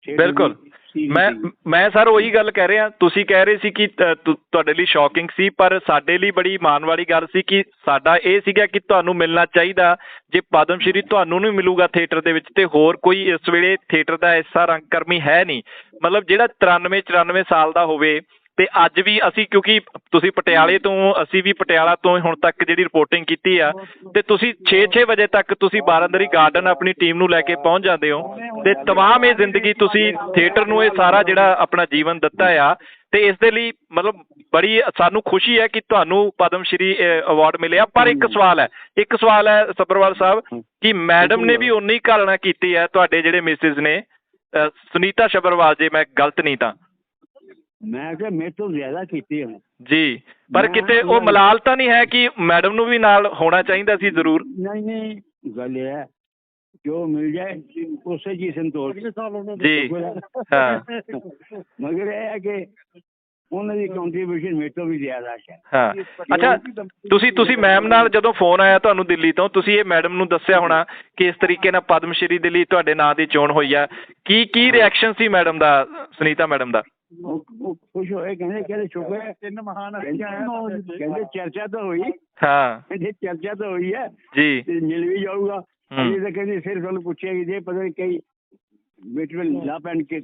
ਬਿਲਕੁਲ। ਮੈਂ ਸਰ ਉਹੀ ਗੱਲ ਕਹਿ ਰਿਹਾ, ਤੁਸੀਂ ਕਹਿ ਰਹੇ ਸੀ ਕਿ ਤੁਹਾਡੇ ਲਈ ਸ਼ੌਕਿੰਗ ਸੀ, ਪਰ ਸਾਡੇ ਲਈ ਬੜੀ ਮਾਣ ਵਾਲੀ ਗੱਲ ਸੀ ਕਿ ਸਾਡਾ ਇਹ ਸੀਗਾ ਕਿ ਤੁਹਾਨੂੰ ਮਿਲਣਾ ਚਾਹੀਦਾ। ਜੇ ਪਦਮ ਸ਼੍ਰੀ ਤੁਹਾਨੂੰ ਨਹੀਂ ਮਿਲੂਗਾ ਥੀਏਟਰ ਦੇ ਵਿੱਚ, ਤੇ ਹੋਰ ਕੋਈ ਇਸ ਵੇਲੇ ਥੀਏਟਰ ਦਾ ਐਸਾ ਰੰਗਕਰਮੀ ਹੈ ਨਹੀਂ, ਮਤਲਬ ਜਿਹੜਾ 93-94 ਸਾਲ ਦਾ ਹੋਵੇ। ਤੇ ਅੱਜ ਵੀ ਅਸੀਂ, ਕਿਉਂਕਿ ਤੁਸੀਂ ਪਟਿਆਲੇ ਤੋਂ, ਅਸੀਂ ਵੀ ਪਟਿਆਲਾ ਤੋਂ ਹੁਣ ਤੱਕ ਜਿਹੜੀ ਰਿਪੋਰਟਿੰਗ ਕੀਤੀ ਆ, ਤੇ ਤੁਸੀਂ 6-6 ਵਜੇ ਤੱਕ ਤੁਸੀਂ ਬਾਰਾਂਦਰੀ ਗਾਰਡਨ ਆਪਣੀ ਟੀਮ ਨੂੰ ਲੈ ਕੇ ਪਹੁੰਚ ਜਾਂਦੇ ਹੋ। ਤੇ ਤਮਾਮ ਇਹ ਜ਼ਿੰਦਗੀ ਤੁਸੀਂ ਥੀਏਟਰ ਨੂੰ ਇਹ ਸਾਰਾ ਜਿਹੜਾ ਆਪਣਾ ਜੀਵਨ ਦਿੱਤਾ ਆ। ਤੇ ਇਸ ਦੇ ਲਈ ਮਤਲਬ ਬੜੀ ਸਾਨੂੰ ਖੁਸ਼ੀ ਹੈ ਕਿ ਤੁਹਾਨੂੰ ਪਦਮ ਸ਼੍ਰੀ ਅਵਾਰਡ ਮਿਲਿਆ। ਪਰ ਇੱਕ ਸਵਾਲ ਹੈ ਸੱਭਰਵਾਲ ਸਾਹਿਬ, ਕਿ ਮੈਡਮ ਨੇ ਵੀ ਉਨੀ ਘਾਲਣਾ ਕੀਤੀ ਹੈ ਤੁਹਾਡੇ ਜਿਹੜੇ ਮਿਸਿਸ ਨੇ, ਸੁਨੀਤਾ ਸੱਭਰਵਾਲ, ਜੇ ਮੈਂ ਗਲਤ ਨਹੀਂ ਤਾਂ। ਮੈਂ ਕਿਹਾ ਮੇਰੇ ਤੋਂ ਜ਼ਿਆਦਾ ਕੀਤੀ ਹੈ ਜੀ, ਪਰ ਕਿਤੇ ਉਹ ਮਲਾਲ ਤਾਂ ਨਹੀਂ ਹੈ ਕਿ ਮੈਡਮ ਨੂੰ ਵੀ ਨਾਲ ਹੋਣਾ ਚਾਹੀਦਾ ਸੀ ਜ਼ਰੂਰ? ਨਹੀਂ, ਗੱਲ ਇਹ ਹੈ ਜੋ ਮਿਲ ਜਾਏ ਉਸੇ ਜੀ ਸੰਤੋਸ਼ ਜੀ। ਹਾਂ, ਮਗਰ ਇਹ ਹੈ ਕਿ ਉਹਨਾਂ ਦੀ ਕੰਟਰੀਬਿਊਸ਼ਨ ਮੇਰੇ ਤੋਂ ਵੀ ਜ਼ਿਆਦਾ ਹੈ। ਹਾਂ, ਅੱਛਾ, ਤੁਸੀਂ ਮੈਮ ਨਾਲ ਜਦੋਂ ਫੋਨ ਆਇਆ ਤੁਹਾਨੂੰ ਦਿੱਲੀ ਤੋਂ, ਤੁਸੀਂ ਇਹ ਮੈਡਮ ਨੂੰ ਦੱਸਿਆ ਹੋਣਾ ਕਿ ਇਸ ਤਰੀਕੇ ਨਾਲ ਪਦਮ ਸ਼੍ਰੀ ਦੇ ਲਈ ਤੁਹਾਡੇ ਨਾਂ ਦੀ ਚੋਣ ਹੋਈ ਆ, ਕੀ ਰਿਐਕਸ਼ਨ ਸੀ ਮੈਡਮ ਦਾ, ਸੁਨੀਤਾ ਮੈਡਮ ਦਾ? ਉਹ ਖੁਸ਼ ਹੋਏ, ਕਹਿੰਦੇ ਸ਼ੁਕਰ ਹੈ, ਤਿੰਨ ਮਹਾਨ ਕਹਿੰਦੇ ਚਰਚਾ ਤਾਂ ਹੋਈ। ਹਾਂ, ਕਹਿੰਦੇ ਚਰਚਾ ਤਾਂ ਹੋਈ ਹੈ ਜੀ, ਮਿਲ ਵੀ ਜਾਊਗਾ। ਇਹ ਤਾਂ ਕਹਿੰਦੇ ਫਿਰ ਤੁਹਾਨੂੰ ਪੁੱਛਿਆ ਕਿ ਜੇ ਪਤਾ ਨਹੀਂ ਕਈ ਲਾ ਪੈਣ ਕੇ।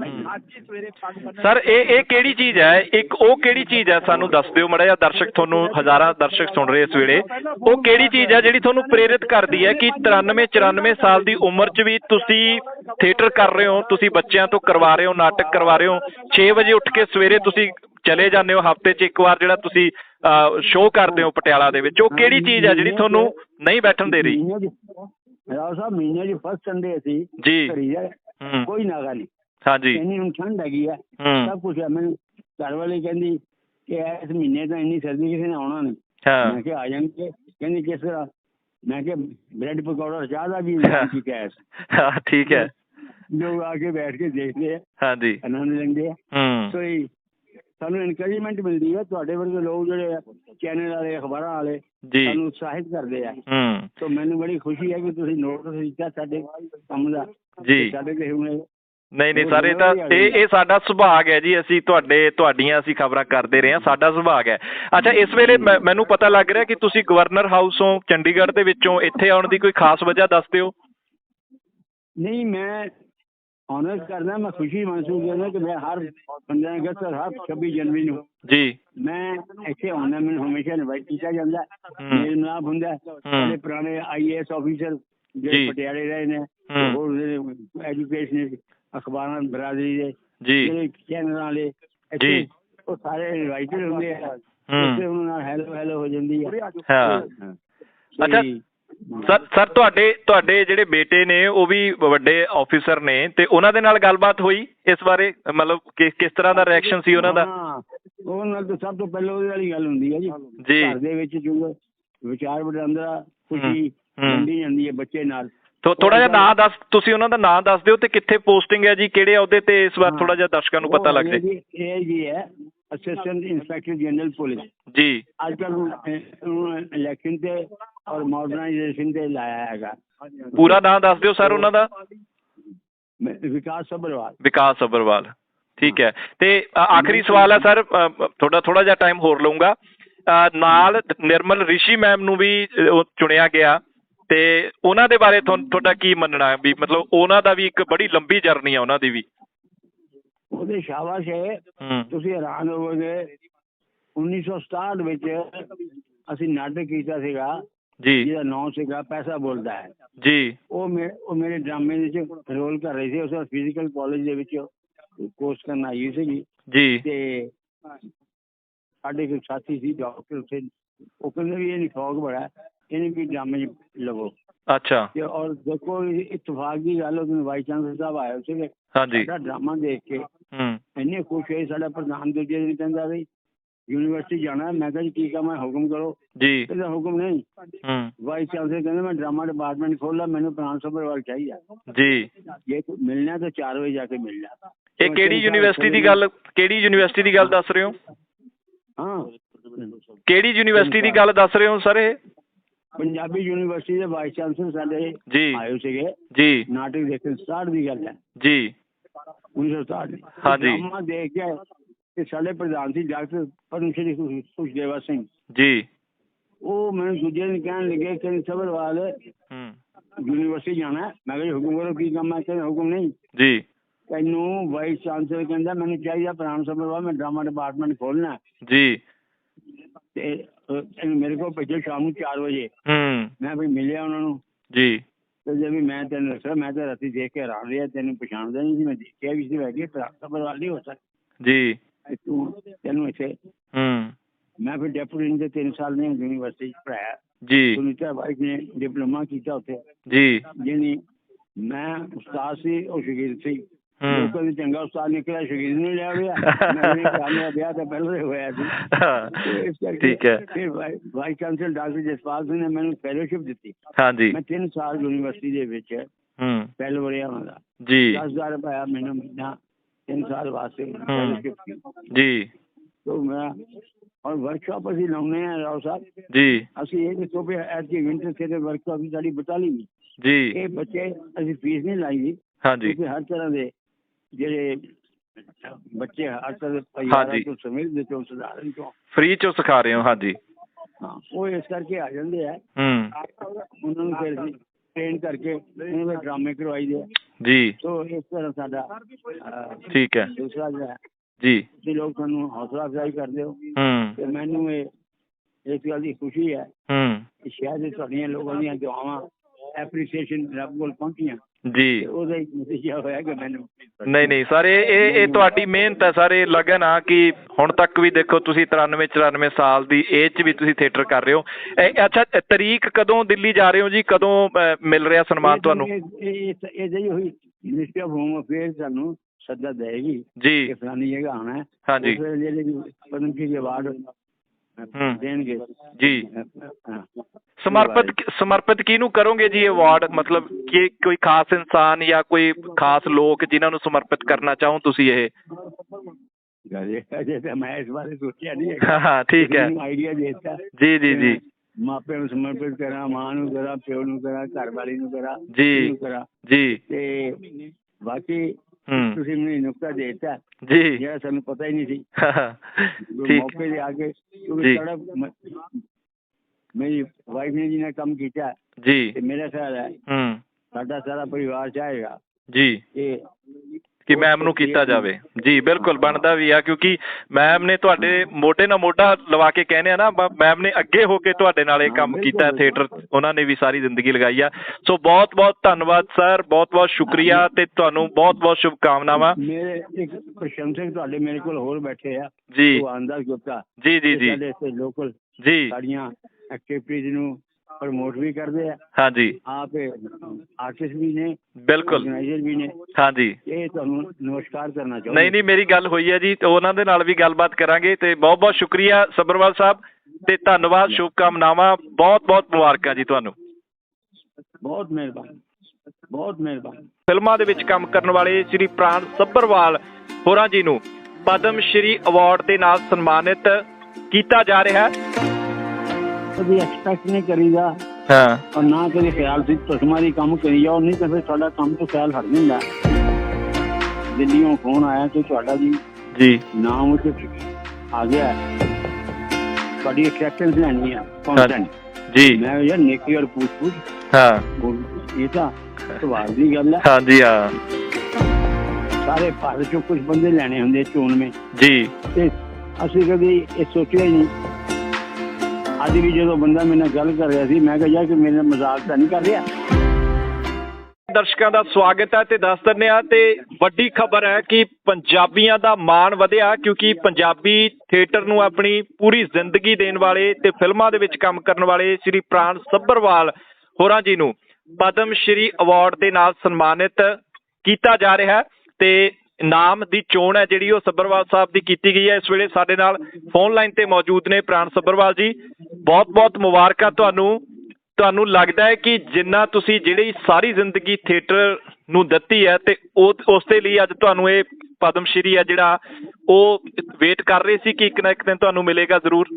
ਸਰ ਇਹ ਕਿਹੜੀ ਚੀਜ਼ ਹੈ, ਇੱਕ ਉਹ ਕਿਹੜੀ ਚੀਜ਼ ਹੈ ਸਾਨੂੰ ਦੱਸ ਦਿਓ ਮਾੜਾ ਜਿਹਾ, ਦਰਸ਼ਕ ਤੁਹਾਨੂੰ, ਹਜ਼ਾਰਾਂ ਦਰਸ਼ਕ ਸੁਣ ਰਹੇ ਇਸ ਵੇਲੇ, ਉਹ ਕਿਹੜੀ ਚੀਜ਼ ਹੈ ਜਿਹੜੀ ਤੁਹਾਨੂੰ ਪ੍ਰੇਰਿਤ ਕਰਦੀ ਹੈ ਕਿ 93-94 ਸਾਲ ਦੀ ਉਮਰ 'ਚ ਵੀ ਤੁਸੀਂ ਥੀਏਟਰ ਕਰ ਰਹੇ ਹੋ, ਤੁਸੀਂ ਬੱਚਿਆਂ ਤੋਂ ਕਰਵਾ ਰਹੇ ਹੋ, ਨਾਟਕ ਕਰਵਾ ਰਹੇ ਹੋ, 6 ਵਜੇ ਉੱਠ ਕੇ ਸਵੇਰੇ ਤੁਸੀਂ ਚਲੇ ਜਾਂਦੇ ਹੋ, ਹਫ਼ਤੇ 'ਚ ਇੱਕ ਵਾਰ ਜਿਹੜਾ ਤੁਸੀਂ ਸ਼ੋਅ ਕਰਦੇ ਹੋ ਪਟਿਆਲਾ ਦੇ ਵਿੱਚ, ਉਹ ਕਿਹੜੀ ਚੀਜ਼ ਹੈ ਜਿਹੜੀ ਤੁਹਾਨੂੰ ਨਹੀਂ ਬੈਠਣ ਦੇ ਰਹੀ? ਰਾਓ ਸਾਹਿਬ, ਮਹੀਨੇ ਦੀ ਫਸਟ ਸੰਡੇ ਅਸੀਂ ਜੀ, ਕੋਈ ਨਾਗਾ ਨਹੀਂ। ਹਾਂਜੀ, ਇੰਨੀ ਹੁਣ ਠੰਡ ਹੈਗੀ ਆ, ਸਭ ਕੁਛ ਹੈ। ਮੈਨੂੰ ਘਰ ਵਾਲੀ ਕਹਿੰਦੀ ਕਿ ਇਸ ਮਹੀਨੇ ਤਾਂ ਇੰਨੀ ਸਰਦੀ ਕਿਸੇ ਨੇ ਆਉਣਾ ਨਹੀਂ। ਮੈਂ ਕਿਹਾ ਆ ਜਾਣਗੇ। ਕਹਿੰਦੀ ਕਿਸ ਤਰ੍ਹਾਂ? ਮੈਂ ਕਿਹਾ ਬ੍ਰੈਡ ਪਕੌੜਾ ਚਾਹ ਦਾ ਵੀ ਠੀਕ ਹੈ, ਲੋਕ ਆ ਕੇ ਬੈਠ ਕੇ ਦੇਖਦੇ ਆ, ਹਾਂਜੀ, ਆਨੰਦ ਲੈਂਦੇ ਆ। ਸੋ ਸਾਨੂੰ ਇਨਕਰੇਜਮੈਂਟ ਮਿਲਦੀ ਹੈ, ਤੁਹਾਡੇ ਵਰਗੇ ਲੋਕ ਜਿਹੜੇ ਆ, ਚੈਨਲ ਵਾਲੇ, ਅਖਬਾਰਾਂ ਵਾਲੇ, ਸਾਨੂੰ ਉਤਸ਼ਾਹਿਤ ਕਰਦੇ ਆ। ਸੋ ਮੈਨੂੰ ਬੜੀ ਖੁਸ਼ੀ ਹੈ ਕਿ ਤੁਸੀਂ ਨੋਟਿਸ ਕੀਤਾ ਸਾਡੇ ਕੰਮ ਦਾ ਜੀ। ਸਾਡੇ ਤੇ ਹੁਣ ਨਹੀਂ ਸਰ, ਇਹ ਸਾਡਾ ਸੁਭਾਗ ਹੈ ਜੀ, ਅਸੀਂ ਤੁਹਾਡੀਆਂ ਅਸੀਂ ਖਬਰਾਂ ਕਰਦੇ ਰਹੇ ਹਾਂ, ਸਾਡਾ ਸੁਭਾਗ ਹੈ। ਅੱਛਾ, ਇਸ ਵੇਲੇ ਮੈਨੂੰ ਪਤਾ ਲੱਗ ਰਿਹਾ ਕਿ ਤੁਸੀਂ ਗਵਰਨਰ ਹਾਊਸੋਂ, ਚੰਡੀਗੜ੍ਹ ਦੇ ਵਿੱਚੋਂ ਇੱਥੇ ਆਉਣ ਦੀ ਕੋਈ ਖਾਸ ਵਜ੍ਹਾ ਦੱਸ ਦਿਓ। ਨਹੀਂ, ਮੈਂ ਆਨਰ ਕਰਦਾ, ਮੈਂ ਖੁਸ਼ੀ ਮਹਿਸੂਸ ਕਰਦਾ ਕਿ ਮੈਂ ਹਰ 15 ਅਗਸਤ, ਹਰ 26 ਜਨਵਰੀ ਨੂੰ ਜੀ ਮੈਂ ਇੱਥੇ ਆਉਂਦਾ। ਮੈਨੂੰ ਹਮੇਸ਼ਾ ਇਨਵਾਈਟ ਕੀਤਾ ਜਾਂਦਾ, ਮੇਲ ਮਿਲਾਪ ਹੁੰਦਾ। ਸਾਡੇ ਪੁਰਾਣੇ IAS ਆਫੀਸਰ ਜਿਹੜੇ ਪਟਿਆਲੇ ਰਹੇ ਨੇ, ਹੋਰ ਐਜੂਕੇਸ਼ਨ, ਅਖਬਾਰਾਂ ਬਰਾਦਰੀ ਦੇ ਜਿਹੜੇ ਚੈਨਲਾਂ ਵਾਲੇ, ਉਹ ਸਾਰੇ ਇਨਵਾਈਟਡ ਹੁੰਦੇ ਆ, ਉਹਨਾਂ ਨਾਲ ਹੈਲੋ ਹੋ ਜਾਂਦੀ ਹੈ। ਅੱਛਾ ਸਰ, ਤੁਹਾਡੇ ਜਿਹੜੇ ਬੇਟੇ ਨੇ ਉਹ ਵੀ ਵੱਡੇ ਆਫਿਸਰ ਨੇ, ਤੇ ਉਹਨਾਂ ਦੇ ਨਾਲ ਗੱਲਬਾਤ ਹੋਈ ਇਸ ਬਾਰੇ, ਮਤਲਬ ਕਿਸ ਤਰ੍ਹਾਂ ਦਾ ਰਿਐਕਸ਼ਨ ਸੀ ਉਹਨਾਂ ਦਾ? ਉਹਨਾਂ ਨਾਲ ਤਾਂ ਸਭ ਤੋਂ ਪਹਿਲਾਂ ਉਹਦੇ ਵਾਲੀ ਗੱਲ ਹੁੰਦੀ ਹੈ ਜੀ, ਘਰ ਦੇ ਵਿੱਚ ਜੋ ਵਿਚਾਰ ਵਟਾਂਦਰਾ, ਖੁਸ਼ੀ ਵੰਡੀ ਜਾਂਦੀ ਹੈ ਬੱਚੇ ਨਾਲ। ਥੋੜਾ ਜਿਹਾ ਨਾਂ ਦੱਸ, ਤੁਸੀਂ ਉਹਨਾਂ ਦਾ ਨਾਂ ਦੱਸ ਦਿਓ ਤੇ ਕਿੱਥੇ ਪੋਸਟਿੰਗ ਹੈ ਜੀ, ਕਿਹੜੇ ਅਹੁਦੇ ਤੇ, ਇਸ ਵਾਰ ਥੋੜਾ ਜਿਹਾ ਦਰਸ਼ਕਾਂ ਨੂੰ ਪਤਾ ਲੱਗ ਜਾਏ। ਇਹ ਜੀ ਹੈ ਅਸਿਸਟੈਂਟ ਇੰਸਪੈਕਟਰ ਜਨਰਲ ਪੁਲਿਸ ਜੀ। ਅੱਜ ਕੱਲ੍ਹ ਇਲੈਕਸ਼ਨ ਤੇ ਔਰ ਮਾਡਰਨਾਈਜੇਸ਼ਨ ਤੇ ਲਾਇਆ ਹੈਗਾ। ਪੂਰਾ ਨਾਂ ਦੱਸ ਦਿਓ ਸਰ ਉਹਨਾਂ ਦਾ। ਵਿਕਾਸ ਸੱਭਰਵਾਲ। ਠੀਕ ਹੈ। ਤੇ ਆਖਰੀ ਸਵਾਲ ਹੈ ਸਰ, ਥੋੜਾ ਜਿਹਾ ਟਾਈਮ ਹੋਰ ਲਊਂਗਾ। ਨਾਲ ਨਿਰਮਲ ਰਿਸ਼ੀ ਮੈਮ ਨੂੰ ਵੀ ਚੁਣਿਆ ਗਿਆ, ਤੇ ਉਹਨਾਂ ਦੇ ਬਾਰੇ ਤੁਹਾਡਾ ਕੀ ਮੰਨਣਾ ਹੈ? ਵੀ ਮਤਲਬ ਉਹਨਾਂ ਦਾ ਵੀ ਇੱਕ ਬੜੀ ਲੰਬੀ ਜਰਨੀ ਆ ਉਹਨਾਂ ਦੀ ਵੀ। ਉਹਦੇ ਸ਼ਾਬਾਸ਼ ਹੈ, ਤੁਸੀਂ ਹੈਰਾਨ ਹੋਵੋਗੇ। 1967 ਵਿੱਚ ਅਸੀਂ ਨਾਟਕ ਕੀਤਾ ਸੀਗਾ ਜੀ, ਜਿਹਦਾ ਨਾਮ ਸੀਗਾ ਪੈਸਾ ਬੋਲਦਾ ਹੈ ਜੀ। ਉਹ ਮੇਰੇ ਡਰਾਮੇ ਵਿੱਚ ਰੋਲ ਕਰ ਰਹੀ ਸੀ। ਉਸ ਵਾਰ ਫਿਜ਼ੀਕਲ ਕਾਲਜ ਦੇ ਵਿੱਚ ਕੋਰਸ ਕਰਨ ਆਈ ਸੀਗੀ ਜੀ। ਤੇ ਸਾਡੇ ਇੱਕ ਸਾਥੀ ਸੀ ਡਾਕਟਰ, ਉੱਥੇ ਉਹ ਕਹਿੰਦੇ ਵੀ ਇਹ ਨਹੀਂ ਫੌਗ ਬੜਾ, ਇਹਨੇ ਵੀ ਡਰਾਮੇ 'ਚ ਲਵੋ। ਅੱਛਾ। ਤੇ ਔਰ ਦੇਖੋ ਇਤਫਾਕ ਦੀ ਗੱਲ, ਉਹਦੇ ਵਾਈਸ ਚਾਂਸਲਰ ਸਾਹਿਬ ਆਏ ਸੀਗੇ, ਸਾਡਾ ਡਰਾਮਾ ਦੇਖ ਕੇ ਇੰਨੇ ਖੁਸ਼ ਹੋਏ। ਸਾਡਾ ਪ੍ਰਧਾਨ ਦੂਜੇ ਦਿਨ ਕਹਿੰਦਾ ਵੀ ਯੂਨੀਵਰਸਿਟੀ ਜਾਣਾ। ਮੈਂ ਕਿਹਾ ਜੀ ਠੀਕ ਆ, ਮੈਂ ਹੁਕਮ ਕਰੋ ਜੀ। ਕਹਿੰਦਾ ਹੁਕਮ ਨਹੀਂ। ਵਾਈਸ ਚਾਂਸਲਰ ਕਹਿੰਦੇ ਮੈਂ ਡਰਾਮਾ ਡਿਪਾਰਟਮੈਂਟ ਖੋਲ੍ਹਾ, ਮੈਨੂੰ ਪ੍ਰਾਂਤ ਸੱਭਰਵਾਲ ਚਾਹੀਦਾ ਜੀ। ਜੇ ਮਿਲਣਾ ਤਾਂ 4 ਵਜੇ ਜਾ ਕੇ ਮਿਲਣਾ। ਇਹ ਕਿਹੜੀ ਯੂਨੀਵਰਸਿਟੀ ਦੀ ਗੱਲ ਦੱਸ ਰਹੇ ਹੋ? ਹਾਂ, ਕਿਹੜੀ ਯੂਨੀਵਰਸਿਟੀ ਦੀ ਗੱਲ ਦੱਸ ਰਹੇ ਹੋ ਸਰ? ਇਹ ਪੰਜਾਬੀ ਯੂਨੀਵਰਸਿਟੀ ਦੇ ਵਾਈਸ ਚਾਂਸਲਰ ਸਾਡੇ ਆਏ ਸੀਗੇ ਜੀ, ਨਾਟਕ ਦੇਖਣ। 67 ਦੀ ਗੱਲ ਹੈ ਜੀ। 1967 ਹਾਂਜੀ। ਡਰਾਮਾ ਦੇਖ ਕੇ ਤੇ ਸਾਡੇ ਪ੍ਰਧਾਨ ਸੀ ਡਾਕਟਰ ਪਰਮ ਸ਼੍ਰੀ ਸੁਖਦੇਵਾ ਸਿੰਘ ਜੀ। ਉਹ ਮੈਨੂੰ ਦੂਜੇ ਦਿਨ ਕਹਿਣ ਲੱਗੇ ਕਿ ਸਭਰਵਾਲ ਯੂਨੀਵਰਸਿਟੀ ਜਾਣਾ। ਮੈਂ ਕਿਹਾ ਹੁਕਮ ਕਰੋ, ਕੀ ਕੰਮ ਹੈ? ਕਹਿੰਦੇ ਹੁਕਮ ਨਹੀਂ ਜੀ। ਤੈਨੂੰ ਵਾਈਸ ਚਾਂਸਲਰ ਕਹਿੰਦਾ ਮੈਨੂੰ ਚਾਹੀਦਾ ਪ੍ਰਾਣ ਸਭਰਵਾਲ, ਮੈਂ ਡਰਾਮਾ ਡਿਪਾਰਟਮੈਂਟ ਖੋਲਣਾ ਜੀ। ਤੇ ਇਹਨੂੰ ਮੇਰੇ ਕੋਲ ਭੇਜੋ ਸ਼ਾਮ ਨੂੰ 4 ਵਜੇ। ਮੈਂ ਵੀ ਮਿਲਿਆ ਉਹਨਾਂ ਨੂੰ ਜੀ। ਤੇ ਜੇ ਵੀ ਮੈਂ ਤੈਨੂੰ ਦੱਸਿਆ, ਮੈਂ ਤਾਂ ਰਾਤੀ ਦੇਖ ਕੇ ਹੈਰਾਨ ਰਿਹਾ, ਤੈਨੂੰ ਪਛਾਣਦਾ ਨਹੀਂ ਸੀ, ਮੈਂ ਦੇਖਿਆ ਵੀ ਸੀ ਵੈਸੇ ਪ੍ਰਾਣ ਸਭਰਵਾਲ ਨਹੀਂ ਹੋ ਸਕਦਾ ਜੀ। ਤੂੰ ਤੈਨੂੰ ਇੱਥੇ ਮੈਂ ਫਿਰ ਡੈਪੂਟੀ ਦੇ 3 ਸਾਲ ਨੇ ਯੂਨੀਵਰਸਿਟੀ 'ਚ ਪੜ੍ਹਾਇਆ ਜੀ। ਸੁਨੀਤਾ ਵਾਈਫ ਨੇ ਡਿਪਲੋਮਾ ਕੀਤਾ ਉੱਥੇ ਜੀ। ਜਿਹਨੀ ਮੈਂ ਉਸਤਾਦ ਸੀ, ਉਹ ਸ਼ਗੀਰ ਸੀ। ਲੋਕਾਂ ਚੰਗਾ ਉਸਤਾਦ ਨਿਕਲਿਆ, ਸ਼ਗੀਰ ਨੂੰ ਲਿਆ ਮੇਰਾ ਵਿਆਹ ਤਾਂ ਪਹਿਲਾਂ ਹੀ ਹੋਇਆ ਸੀ। ਇਸ ਕਰਕੇ ਫਿਰ vice chancellor doctor Jaspal Singh ਨੇ ਮੈਨੂੰ ਫੈਲੋਸ਼ਿਪ ਦਿੱਤੀ। ਹਾਂਜੀ। ਮੈਂ 3 ਸਾਲ ਯੂਨੀਵਰਸਿਟੀ ਦੇ ਵਿੱਚ ਫੈਲੋ ਰਿਹਾ ਉਹਦਾ। ਜੀ। 10,000 ਰੁਪਇਆ ਮੈਨੂੰ ਮਹੀਨਾ 3 ਸਾਲ ਵਾਸਤੇ ਫੈਲੋਸ਼ਿਪ ਜੀ। तो मैं और वर्कशॉप ਅਸੀਂ ਲਾਉਨੇ ਆ ਰਾਓ ਸਾਹਿਬ ਜੀ। ਅਸੀਂ ਇਹ ਦੱਸੋ ਵੀ ਐਤਕੀ ਵਿੰਟਰ ਤੇ ਵਰਕਸ਼ਾਪ ਵੀ ਸਾਡੀ ਬਟਾਲੀ ਨਹੀਂ ਜੀ। ਇਹ ਬੱਚੇ ਅਸੀਂ ਫੀਸ ਨਹੀਂ ਲਾਈ ਜੀ। ਹਾਂਜੀ। ਕਿਉਂਕਿ ਹਰ ਤਰ੍ਹਾਂ ਦੇ ਜਿਹੜੇ ਬੱਚੇ ਹਰ ਤਰ੍ਹਾਂ ਦੇ ਪਰਿਵਾਰਾਂ ਤੋਂ ਸਮਝਦੇ ਤੋਂ ਸਧਾਰਨ ਤੋਂ ਫ੍ਰੀ ਚੋਂ ਸਿਖਾ ਰਹੇ ਹੋ। ਹਾਂਜੀ। ਹਾਂ, ਉਹ ਇਸ ਕਰਕੇ ਆ ਜਾਂਦੇ ਆ। ਉਹਨਾਂ ਨੂੰ ਫਿਰ ਅਸੀਂ ਟ੍ਰੇਨ ਕਰਕੇ ਉਹਨਾਂ ਦੇ ਡਰਾਮੇ ਕਰਵਾਈ ਦੇ ਜੀ। ਸੋ ਇਸ ਤਰ੍ਹਾਂ ਸਾਡਾ ਠੀਕ ਹੈ। ਦੂਸਰਾ ਜਿਹੜਾ ਜੀ। ਤੁਸੀਂ ਲੋਕ ਸਾਨੂੰ ਹੌਸਲਾ ਅਫਜ਼ਾਈ ਕਰਦੇ ਹੋ ਤੇ ਮੈਨੂੰ ਇਸ ਗੱਲ ਦੀ ਖੁਸ਼ੀ ਹੈ ਕਿ ਸ਼ਾਇਦ ਤੁਹਾਡੀਆਂ ਲੋਕਾਂ ਦੀਆਂ ਦੁਆਵਾਂ ਐਪਰੀਸੀਏਸ਼ਨ ਰੱਬ ਕੋਲ ਪਹੁੰਚੀਆਂ ਜੀ। ਉਹਦਾ ਇੱਕ ਨਤੀਜਾ ਹੋਇਆ ਕਿ ਮੈਨੂੰ ਨਹੀਂ ਸਰ, ਇਹ ਤੁਹਾਡੀ ਮਿਹਨਤ ਹੈ ਸਰ, ਇਹ ਲਗਨ ਆ ਕਿ ਹੁਣ ਤੱਕ ਵੀ ਦੇਖੋ ਤੁਸੀਂ 93-94 ਸਾਲ ਦੀ ਏਜ 'ਚ ਵੀ ਤੁਸੀਂ ਥੀਏਟਰ ਕਰ ਰਹੇ ਹੋ। ਅੱਛਾ, ਤਰੀਕ ਕਦੋਂ ਦਿੱਲੀ ਜਾ ਰਹੇ ਹੋ ਜੀ? ਕਦੋਂ ਮਿਲ ਰਿਹਾ ਸਨਮਾਨ ਤੁਹਾਨੂੰ? ਇਹ ਜਿਹੀ ਹੋਈ ਮਿਨਿਸਟਰੀ ਆਫ ਹੋਮ ਅਫੇਅਰਸ ਸਾਨੂੰ ਸੱਦਾ ਦੇਗੀ ਜੀ। ਫਲਾਨੀ ਜਗ੍ਹਾ ਆਉਣਾ। ਹਾਂਜੀ। ਪਦਮ ਸ਼੍ਰੀ ਅਵਾਰਡ ਦੇਣਗੇ ਜੀ। ਸਮਰਪਿਤ ਕਿਹਨੂੰ ਕਰੋਗੇ ਜੀ ਅਵਾਰਡ? ਮਤਲਬ ਕਿ ਕੋਈ ਖਾਸ ਇਨਸਾਨ ਜਾਂ ਕੋਈ ਖਾਸ ਲੋਕ ਜਿਨ੍ਹਾਂ ਨੂੰ ਸਮਰਪਿਤ ਕਰਨਾ ਚਾਹੋ ਤੁਸੀਂ? ਇਹ ਮੈਂ ਇਸ ਬਾਰੇ ਸੋਚਿਆ ਨਹੀਂ। ਹਾਂ, ਠੀਕ ਹੈ। ਆਈਡੀਆ ਦੇ ਦਿੱਤਾ। ਜੀ ਜੀ ਜੀ। ਮਾਪਿਆਂ ਨੂੰ ਸਮਰਪਿਤ ਕਰਾਂ, ਮਾਂ ਨੂੰ ਕਰਾਂ, ਪਿਓ ਨੂੰ ਕਰਾਂ, ਘਰ ਵਾਲੀ ਨੂੰ ਕਰਾਂ, ਜੀ ਜੀ। ਤੇ ਬਾਕੀ ਤੁਸੀਂ ਮੈਨੂੰ ਨੁਕਤਾ ਦੇ ਦਿੱਤਾ ਜੀ, ਜਿਹੜਾ ਸਾਨੂੰ ਪਤਾ ਹੀ ਨਹੀਂ ਸੀ। ਮੌਕੇ ਤੇ ਆ ਕੇ ਮੇਰੀ ਵਾਈਫ ਨੇ ਜਿਹਨੇ ਕੰਮ ਕੀਤਾ ਜੀ, ਤੇ ਮੇਰਾ ਖਿਆਲ ਹੈ ਸਾਡਾ ਸਾਰਾ ਪਰਿਵਾਰ ਚਾਹੇਗਾ ਜੀ ਕਿ ਮੈਮ ਨੂੰ ਕੀਤਾ ਜਾਵੇ। ਜੀ ਬਿਲਕੁਲ, ਬਣਦਾ ਵੀ ਆ, ਕਿਉਂਕਿ ਮੈਮ ਨੇ ਤੁਹਾਡੇ ਮੋਢੇ ਨਾਲ ਮੋਢਾ ਲਵਾ ਕੇ ਕਹਿੰਦੇ ਆ ਨਾ, ਮੈਮ ਨੇ ਅੱਗੇ ਹੋ ਕੇ ਤੁਹਾਡੇ ਨਾਲ ਇਹ ਕੰਮ ਕੀਤਾ ਥੀਏਟਰ, ਉਹਨਾਂ ਨੇ ਵੀ ਸਾਰੀ ਜ਼ਿੰਦਗੀ ਲਗਾਈ ਆ। ਸੋ ਬਹੁਤ ਬਹੁਤ ਧੰਨਵਾਦ ਸਰ, ਬਹੁਤ ਬਹੁਤ ਸ਼ੁਕਰੀਆ ਤੇ ਤੁਹਾਨੂੰ ਬਹੁਤ ਬਹੁਤ ਸ਼ੁਭਕਾਮਨਾਵਾਂ। ਮੇਰੇ ਇੱਕ ਪ੍ਰਸ਼ੰਸਕ ਤੁਹਾਡੇ ਮੇਰੇ ਕੋਲ ਹੋਰ ਬੈਠੇ ਆ ਜੀ, ਆਨੰਦ ਗੁਪਤਾ ਜੀ ਜੀ ਜੀ, ਲੋਕਲ ਜੀ, ਸਾਡੀਆਂ ਐਕਟੀਵਿਟੀਜ਼ ਨੂੰ ਪ੍ਰਮੋਟ ਵੀ ਕਰਦੇ ਆ। ਹਾਂਜੀ, ਆਪ ਆਰਟਿਸਟ ਵੀ ਨੇ, ਬਿਲਕੁਲ ਆਰਗੇਨਾਈਜ਼ਰ ਵੀ ਨੇ। ਹਾਂਜੀ, ਇਹ ਤੁਹਾਨੂੰ ਨਮਸਕਾਰ ਕਰਨਾ ਚਾਹੁੰਦਾ। ਨਹੀਂ ਮੇਰੀ ਗੱਲ ਹੋਈ ਹੈ ਜੀ, ਤੇ ਉਹਨਾਂ ਦੇ ਨਾਲ ਵੀ ਗੱਲਬਾਤ ਕਰਾਂਗੇ। ਤੇ ਬਹੁਤ ਬਹੁਤ ਸ਼ੁਕਰੀਆ ਸੱਭਰਵਾਲ ਸਾਹਿਬ ਤੇ ਧੰਨਵਾਦ, ਸ਼ੁਭਕਾਮਨਾਵਾਂ, ਬਹੁਤ ਬਹੁਤ ਮੁਬਾਰਕਾਂ ਜੀ ਤੁਹਾਨੂੰ। ਬਹੁਤ ਮਿਹਰਬਾਨੀ, ਬਹੁਤ ਮਿਹਰਬਾਨੀ। ਫਿਲਮਾਂ ਦੇ ਵਿੱਚ ਕੰਮ ਕਰਨ ਵਾਲੇ ਸ਼੍ਰੀ ਪ੍ਰਾਣ ਸੱਭਰਵਾਲ ਹੋਰਾਂ ਜੀ ਨੂੰ ਪਦਮ ਸ਼੍ਰੀ ਅਵਾਰਡ ਦੇ ਨਾਲ ਸਨਮਾਨਿਤ ਕੀਤਾ ਜਾ ਰਿਹਾ ਹੈ। ਕਦੀ ਐਕਸਪੈਕਟ ਨਹੀਂ ਕਰੀਦਾ ਹਾਂ, ਔਰ ਨਾ ਕਦੇ ਖਿਆਲ ਸੀ ਤੁਸਮਾਰੀ ਕੰਮ ਕਰੀ ਜਾਓ, ਨਹੀਂ ਤਾਂ ਫਿਰ ਸਾਡਾ ਕੰਮ ਤੋਂ ਖਿਆਲ ਹਟ ਜਾਂਦਾ। ਦਿੱਲੀੋਂ ਫੋਨ ਆਇਆ ਕਿ ਤੁਹਾਡਾ ਜੀ ਨਾਮ ਉੱਤੇ ਆ ਗਿਆ, ਤੁਹਾਡੀ ਐਕਸੈਪਟੈਂਸ ਲੈਣੀ ਆ ਜੀ। ਮੈਂ ਯਾਰ ਨੇਕੀ ਔਰ ਪੁੱਛ ਹਾਂ, ਇਹ ਤਾਂ ਸਵਾਲ ਦੀ ਗੱਲ ਹੈ। ਹਾਂਜੀ ਹਾਂ, ਸਾਰੇ ਭਾਰਤ ਚੋਂ ਕੁਝ ਬੰਦੇ ਲੈਣੇ ਹੁੰਦੇ ਚੋਣਵੇਂ ਜੀ, ਤੇ ਅਸੀਂ ਕਦੀ ਇਹ ਸੋਚਿਆ ਹੀ ਨਹੀਂ। ਅੱਜ ਵੀ ਜਦੋਂ ਬੰਦਾ ਮੇਰੇ ਨਾਲ ਗੱਲ ਕਰ ਰਿਹਾ ਸੀ, ਮੈਂ ਕਿਹਾ ਯਾਰ ਕਿ ਮੇਰੇ ਨਾਲ ਮਜ਼ਾਕ ਤਾਂ ਨਹੀਂ ਕਰ ਰਿਹਾ। ਦਰਸ਼ਕਾਂ ਦਾ ਸਵਾਗਤ ਹੈ ਤੇ ਦੱਸ ਦਿੰਦੇ ਆ, ਤੇ ਵੱਡੀ ਖਬਰ ਹੈ ਕਿ ਪੰਜਾਬੀਆਂ ਦਾ ਮਾਣ ਵਧਿਆ, ਕਿਉਂਕਿ ਪੰਜਾਬੀ ਥੀਏਟਰ ਨੂੰ ਆਪਣੀ ਪੂਰੀ ਜ਼ਿੰਦਗੀ ਦੇਣ ਵਾਲੇ ਤੇ ਫਿਲਮਾਂ ਦੇ ਵਿੱਚ ਕੰਮ ਕਰਨ ਵਾਲੇ ਸ਼੍ਰੀ ਪ੍ਰਾਣ ਸੱਭਰਵਾਲ ਹੋਰਾਂ ਜੀ ਨੂੰ ਪਦਮ ਸ਼੍ਰੀ ਅਵਾਰਡ ਦੇ ਨਾਲ ਸਨਮਾਨਿਤ ਕੀਤਾ ਜਾ ਰਿਹਾ ਹੈ। ਤੇ ਨਾਮ ਦੀ ਚੋਣ ਹੈ ਜਿਹੜੀ ਉਹ ਸੱਭਰਵਾਲ ਸਾਹਿਬ ਦੀ ਕੀਤੀ ਗਈ ਹੈ। ਇਸ ਵੇਲੇ ਸਾਡੇ ਨਾਲ ਫੋਨ ਲਾਈਨ ਤੇ ਮੌਜੂਦ ਨੇ ਪ੍ਰਾਣ ਸੱਭਰਵਾਲ ਜੀ। ਬਹੁਤ ਬਹੁਤ ਮੁਬਾਰਕਾਂ ਤੁਹਾਨੂੰ। ਤੁਹਾਨੂੰ ਲੱਗਦਾ ਹੈ ਕਿ ਜਿੰਨਾ ਤੁਸੀਂ ਜਿਹੜੀ ਸਾਰੀ ਜ਼ਿੰਦਗੀ ਥੀਏਟਰ ਨੂੰ ਦਿੱਤੀ ਹੈ, ਤੇ ਉਸ ਦੇ ਲਈ ਅੱਜ ਤੁਹਾਨੂੰ ਇਹ ਪਦਮ ਸ਼੍ਰੀ ਹੈ ਜਿਹੜਾ ਉਹ ਵੇਟ ਕਰ ਰਹੇ ਸੀ ਕਿ ਇੱਕ ਨਾ ਇੱਕ ਦਿਨ ਤੁਹਾਨੂੰ ਮਿਲੇਗਾ ਜ਼ਰੂਰ?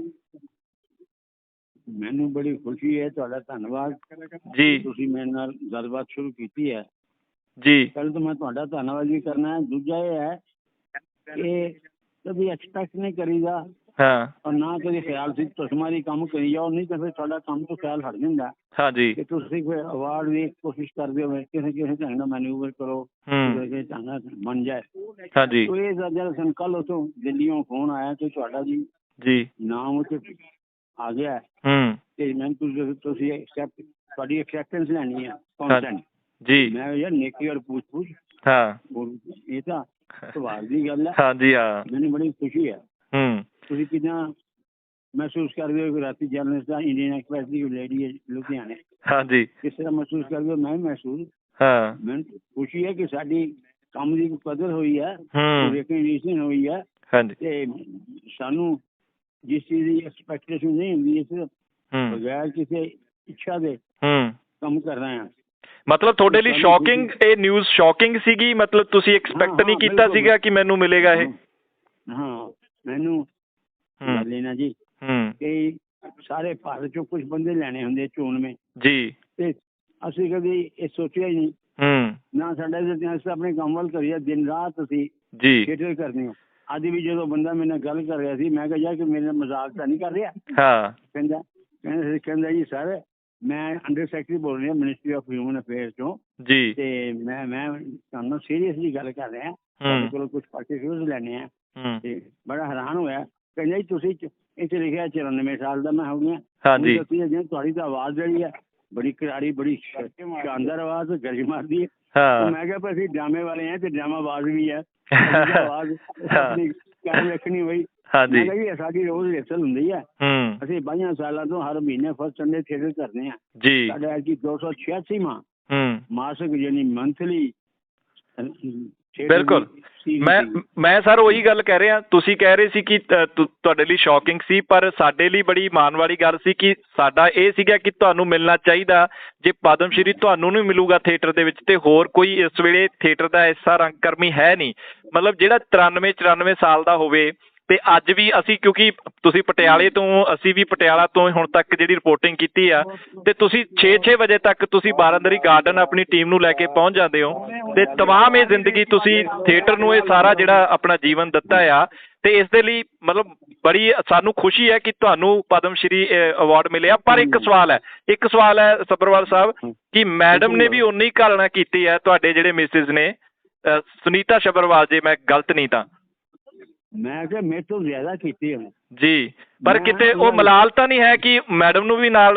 ਮੈਨੂੰ ਬੜੀ ਖੁਸ਼ੀ ਹੈ, ਤੁਹਾਡਾ ਧੰਨਵਾਦ ਜੀ। ਤੁਸੀਂ ਮੇਰੇ ਨਾਲ ਗੱਲਬਾਤ ਸ਼ੁਰੂ ਕੀਤੀ ਹੈ ਜੀ ਪਹਿਲਾਂ ਤਾਂ ਮੈਂ ਤੁਹਾਡਾ ਧੰਨਵਾਦ ਵੀ ਕਰਨਾ ਹੈ। ਦੂਜਾ ਇਹ ਹੈ ਕਿ ਕਦੀ ਐਕਸਪੈਕਟ ਨਹੀਂ ਕਰੀਦਾ ਹਾਂ ਔਰ ਨਾ ਕਦੇ ਖਿਆਲ ਸੀ ਤੁਸਮਾਰੀ ਕੰਮ ਕਰੀ ਜਾਓ, ਨਹੀਂ ਤਾਂ ਫਿਰ ਤੁਹਾਡਾ ਕੰਮ ਤੋਂ ਖਿਆਲ ਹਟ ਜਾਂਦਾ ਹਾਂਜੀ ਕਿ ਤੁਸੀਂ ਕੋਈ ਅਵਾਰਡ ਦੀ ਕੋਸ਼ਿਸ਼ ਕਰਦੇ ਹੋ ਕਿਸੇ ਕਿਸੇ ਢੰਗ ਨਾਲ ਮੈਨੂਵਰ ਕਰੋ ਕਿਸੇ ਢੰਗ ਨਾਲ ਬਣ ਜਾਏ। ਹਾਂਜੀ तो ये जरा सन कल उतो दिल्लीयों फोन आया कि ਤੁਹਾਡਾ ਜੀ ਨਾਮ ਉੱਤੇ ਆ ਗਿਆ ਤੇ ਮੈਂ ਤੁਸੀਂ ਐਕਸੈਪਟ ਤੁਹਾਡੀ ਐਕਸੈਪਟੈਂਸ ਲੈਣੀ ਹੈ ਕੰਸੈਂਟ ਜੀ। ਮੈਂ ਯਾਰ ਨੇਕੀ ਔਰ ਪੁੱਛ ਹਾਂ ਇਹ ਤਾਂ ਸਵਾਲ ਦੀ ਗੱਲ ਹੈ। ਹਾਂਜੀ ਹਾਂ ਮੈਨੂੰ ਬੜੀ ਖੁਸ਼ੀ ਹੈ। ਤੁਸੀਂ ਕਿਦਾਂ ਮਹਿਸੂਸ ਕਰਦੇ ਹੋ ਕਿ ਰਾਤੀ ਜਰਨਲਿਸਟ ਦਾ ਇੰਡੀਅਨ ਐਕਸਪ੍ਰੈਸ ਦੀ ਲੇਡੀ ਹੈ ਲੁਧਿਆਣੇ ਹਾਂਜੀ ਕਿਸ ਤਰ੍ਹਾਂ ਮਹਿਸੂਸ ਕਰਦੇ ਹੋ? ਮੈਂ ਮਹਿਸੂਸ ਮੈਨੂੰ ਖੁਸ਼ੀ ਹੈ ਕਿ ਸਾਡੀ ਕੰਮ ਦੀ ਕਦਰ ਹੋਈ ਹੈ, ਰਿਕਗਨੀਸ਼ਨ ਹੋਈ ਹੈ ਤੇ ਸਾਨੂੰ ਜਿਸ ਚੀਜ਼ ਦੀ ਐਕਸਪੈਕਟੇਸ਼ਨ ਨਹੀਂ ਹੁੰਦੀ ਇਸ ਬਗੈਰ ਕਿਸੇ ਇੱਛਾ ਦੇ ਕੰਮ ਕਰ ਰਹੇ ਹਾਂ। ਮਤਲਬ ਤੁਹਾਡੇ ਲਈ ਸ਼ੌਕਿੰਗ ਇਹ ਨਿਊਜ਼ ਸ਼ੌਕਿੰਗ ਸੀਗੀ? ਮਤਲਬ ਤੁਸੀਂ ਐਕਸਪੈਕਟ ਨਹੀਂ ਕੀਤਾ ਸੀਗਾ ਕਿ ਮੈਨੂੰ ਮਿਲੇਗਾ ਇਹ? ਹਾਂ ਮੈਨੂੰ ਲੈਣਾ ਜੀ ਕਿ ਸਾਰੇ ਭਾਰਤ ਚੋਂ ਕੁਝ ਬੰਦੇ ਲੈਣੇ ਹੁੰਦੇ ਚੋਣਵੇਂ ਜੀ ਤੇ ਅਸੀਂ ਕਦੀ ਇਹ ਸੋਚਿਆ ਹੀ ਨਹੀਂ ਨਾ ਸਾਡਾ ਅਸੀਂ ਆਪਣੇ ਕੰਮ ਵੱਲ ਕਰੀਏ ਦਿਨ ਰਾਤ ਅਸੀਂ ਜੀ ਥੀਏਟਰ ਕਰਦੇ ਹਾਂ। ਅੱਜ ਵੀ ਜਦੋਂ ਬੰਦਾ ਮੇਰੇ ਨਾਲ ਗੱਲ ਕਰ ਰਿਹਾ ਸੀ ਮੈਂ ਕਿਹਾ ਯਾਰ ਕਿ ਮੇਰੇ ਨਾਲ ਮਜ਼ਾਕ ਤਾਂ ਨਹੀਂ ਕਰ ਰਿਹਾ? ਕਹਿੰਦਾ ਜੀ ਸਰ ਮੈਂ ਅੰਡਰ ਸੈਕਟਰੀ ਬੋਲ ਰਿਹਾ ਮਿਨਿਸਟਰੀ ਆਫ ਹਿਊਮਨ ਅਫੇਅਰਸ ਤੋਂ ਜੀ ਤੇ ਮੈਂ ਤੁਹਾਨੂੰ ਸੀਰੀਅਸਲੀ ਗੱਲ ਕਰ ਰਿਹਾ ਤੁਹਾਡੇ ਕੋਲੋਂ ਕੁਝ ਪਾਰਟੀਕੂਲਰਸ ਲੈਣੇ ਆ ਤੇ ਬੜਾ ਹੈਰਾਨ ਹੋਇਆ। ਕਹਿੰਦਾ ਜੀ ਤੁਸੀਂ ਇੱਥੇ ਲਿਖਿਆ 94 ਸਾਲ ਦਾ ਮੈਂ ਹੋ ਗਿਆ। ਹਾਂਜੀ ਤੁਹਾਡੀ ਤਾਂ ਆਵਾਜ਼ ਜਿਹੜੀ ਹੈ ਬੜੀ ਕਰਾਰੀ ਬੜੀ ਸ਼ਾਨਦਾਰ ਆਵਾਜ਼ ਗਰਜ ਮਾਰਦੀ ਹੈ। ਮੈਂ ਕਿਹਾ ਪਰ ਅਸੀਂ ਡਰਾਮੇ ਵਾਲੇ ਹਾਂ ਤੇ ਡਰਾਮਾਬਾਜ਼ ਵੀ ਹੈ ਆਵਾਜ਼ ਕਾਇਮ ਰੱਖਣੀ ਬਈ। ਮੈਂ ਕਿਹਾ ਜੀ ਸਾਡੀ ਰੋਜ਼ ਰਿਹਰਸਲ ਹੁੰਦੀ ਹੈ ਅਸੀਂ 22 ਸਾਲਾਂ ਤੋਂ ਹਰ ਮਹੀਨੇ ਫਸਟ ਸੰਡੇ ਥੀਏਟਰ ਕਰਦੇ ਹਾਂ ਜੀ। ਸਾਡਾ ਐਤਕੀ 286ਵਾਂ ਮਾਸਿਕ ਯਾਨੀ ਮੰਥਲੀ। ਬਿਲਕੁਲ ਮੈਂ ਸਰ ਉਹੀ ਗੱਲ ਕਹਿ ਰਿਹਾ। ਤੁਸੀਂ ਕਹਿ ਰਹੇ ਸੀ ਕਿ ਤੁਹਾਡੇ ਲਈ ਸ਼ੌਕਿੰਗ ਸੀ ਪਰ ਸਾਡੇ ਲਈ ਬੜੀ ਮਾਣ ਵਾਲੀ ਗੱਲ ਸੀ ਕਿ ਸਾਡਾ ਇਹ ਸੀਗਾ ਕਿ ਤੁਹਾਨੂੰ ਮਿਲਣਾ ਚਾਹੀਦਾ। ਜੇ ਪਦਮ ਸ਼੍ਰੀ ਤੁਹਾਨੂੰ ਨਹੀਂ ਮਿਲੂਗਾ ਥੀਏਟਰ ਦੇ ਵਿੱਚ ਤੇ ਹੋਰ ਕੋਈ ਇਸ ਵੇਲੇ ਥੀਏਟਰ ਦਾ ਐਸਾ ਰੰਗਕਰਮੀ ਹੈ ਨਹੀਂ ਮਤਲਬ ਜਿਹੜਾ 93 ਸਾਲ ਦਾ ਹੋਵੇ। ਤੇ ਅੱਜ ਵੀ ਅਸੀਂ ਕਿਉਂਕਿ ਤੁਸੀਂ ਪਟਿਆਲੇ ਤੋਂ ਅਸੀਂ ਵੀ ਪਟਿਆਲਾ ਤੋਂ ਹੁਣ ਤੱਕ ਜਿਹੜੀ ਰਿਪੋਰਟਿੰਗ ਕੀਤੀ ਆ ਤੇ ਤੁਸੀਂ 6 ਵਜੇ ਤੱਕ ਤੁਸੀਂ ਬਾਰਾਂਦਰੀ ਗਾਰਡਨ ਆਪਣੀ ਟੀਮ ਨੂੰ ਲੈ ਕੇ ਪਹੁੰਚ ਜਾਂਦੇ ਹੋ ਤੇ ਤਮਾਮ ਇਹ ਜ਼ਿੰਦਗੀ ਤੁਸੀਂ ਥੀਏਟਰ ਨੂੰ ਇਹ ਸਾਰਾ ਜਿਹੜਾ ਆਪਣਾ ਜੀਵਨ ਦਿੱਤਾ ਆ ਤੇ ਇਸ ਦੇ ਲਈ ਮਤਲਬ ਬੜੀ ਸਾਨੂੰ ਖੁਸ਼ੀ ਹੈ ਕਿ ਤੁਹਾਨੂੰ ਪਦਮ ਸ਼੍ਰੀ ਅਵਾਰਡ ਮਿਲਿਆ। ਪਰ ਇੱਕ ਸਵਾਲ ਹੈ ਸੱਭਰਵਾਲ ਸਾਹਿਬ ਕਿ ਮੈਡਮ ਨੇ ਵੀ ਉਨੀ ਘਾਲਣਾ ਕੀਤੀ ਹੈ ਤੁਹਾਡੇ ਜਿਹੜੇ ਮਿਸਿਸ ਨੇ ਸੁਨੀਤਾ ਸੱਭਰਵਾਲ ਜੇ ਮੈਂ ਗਲਤ ਨਹੀਂ ਤਾਂ? ਮੈਂ ਕਿਹਾ ਮੇਰੇ ਤੋਂ ਜ਼ਿਆਦਾ ਕੀਤੀ ਹੈ ਜੀ ਪਰ ਕਿਤੇ ਉਹ ਮਲਾਲ ਤਾਂ ਨਹੀਂ ਹੈ ਕਿ ਮੈਡਮ ਨੂੰ ਵੀ ਨਾਲ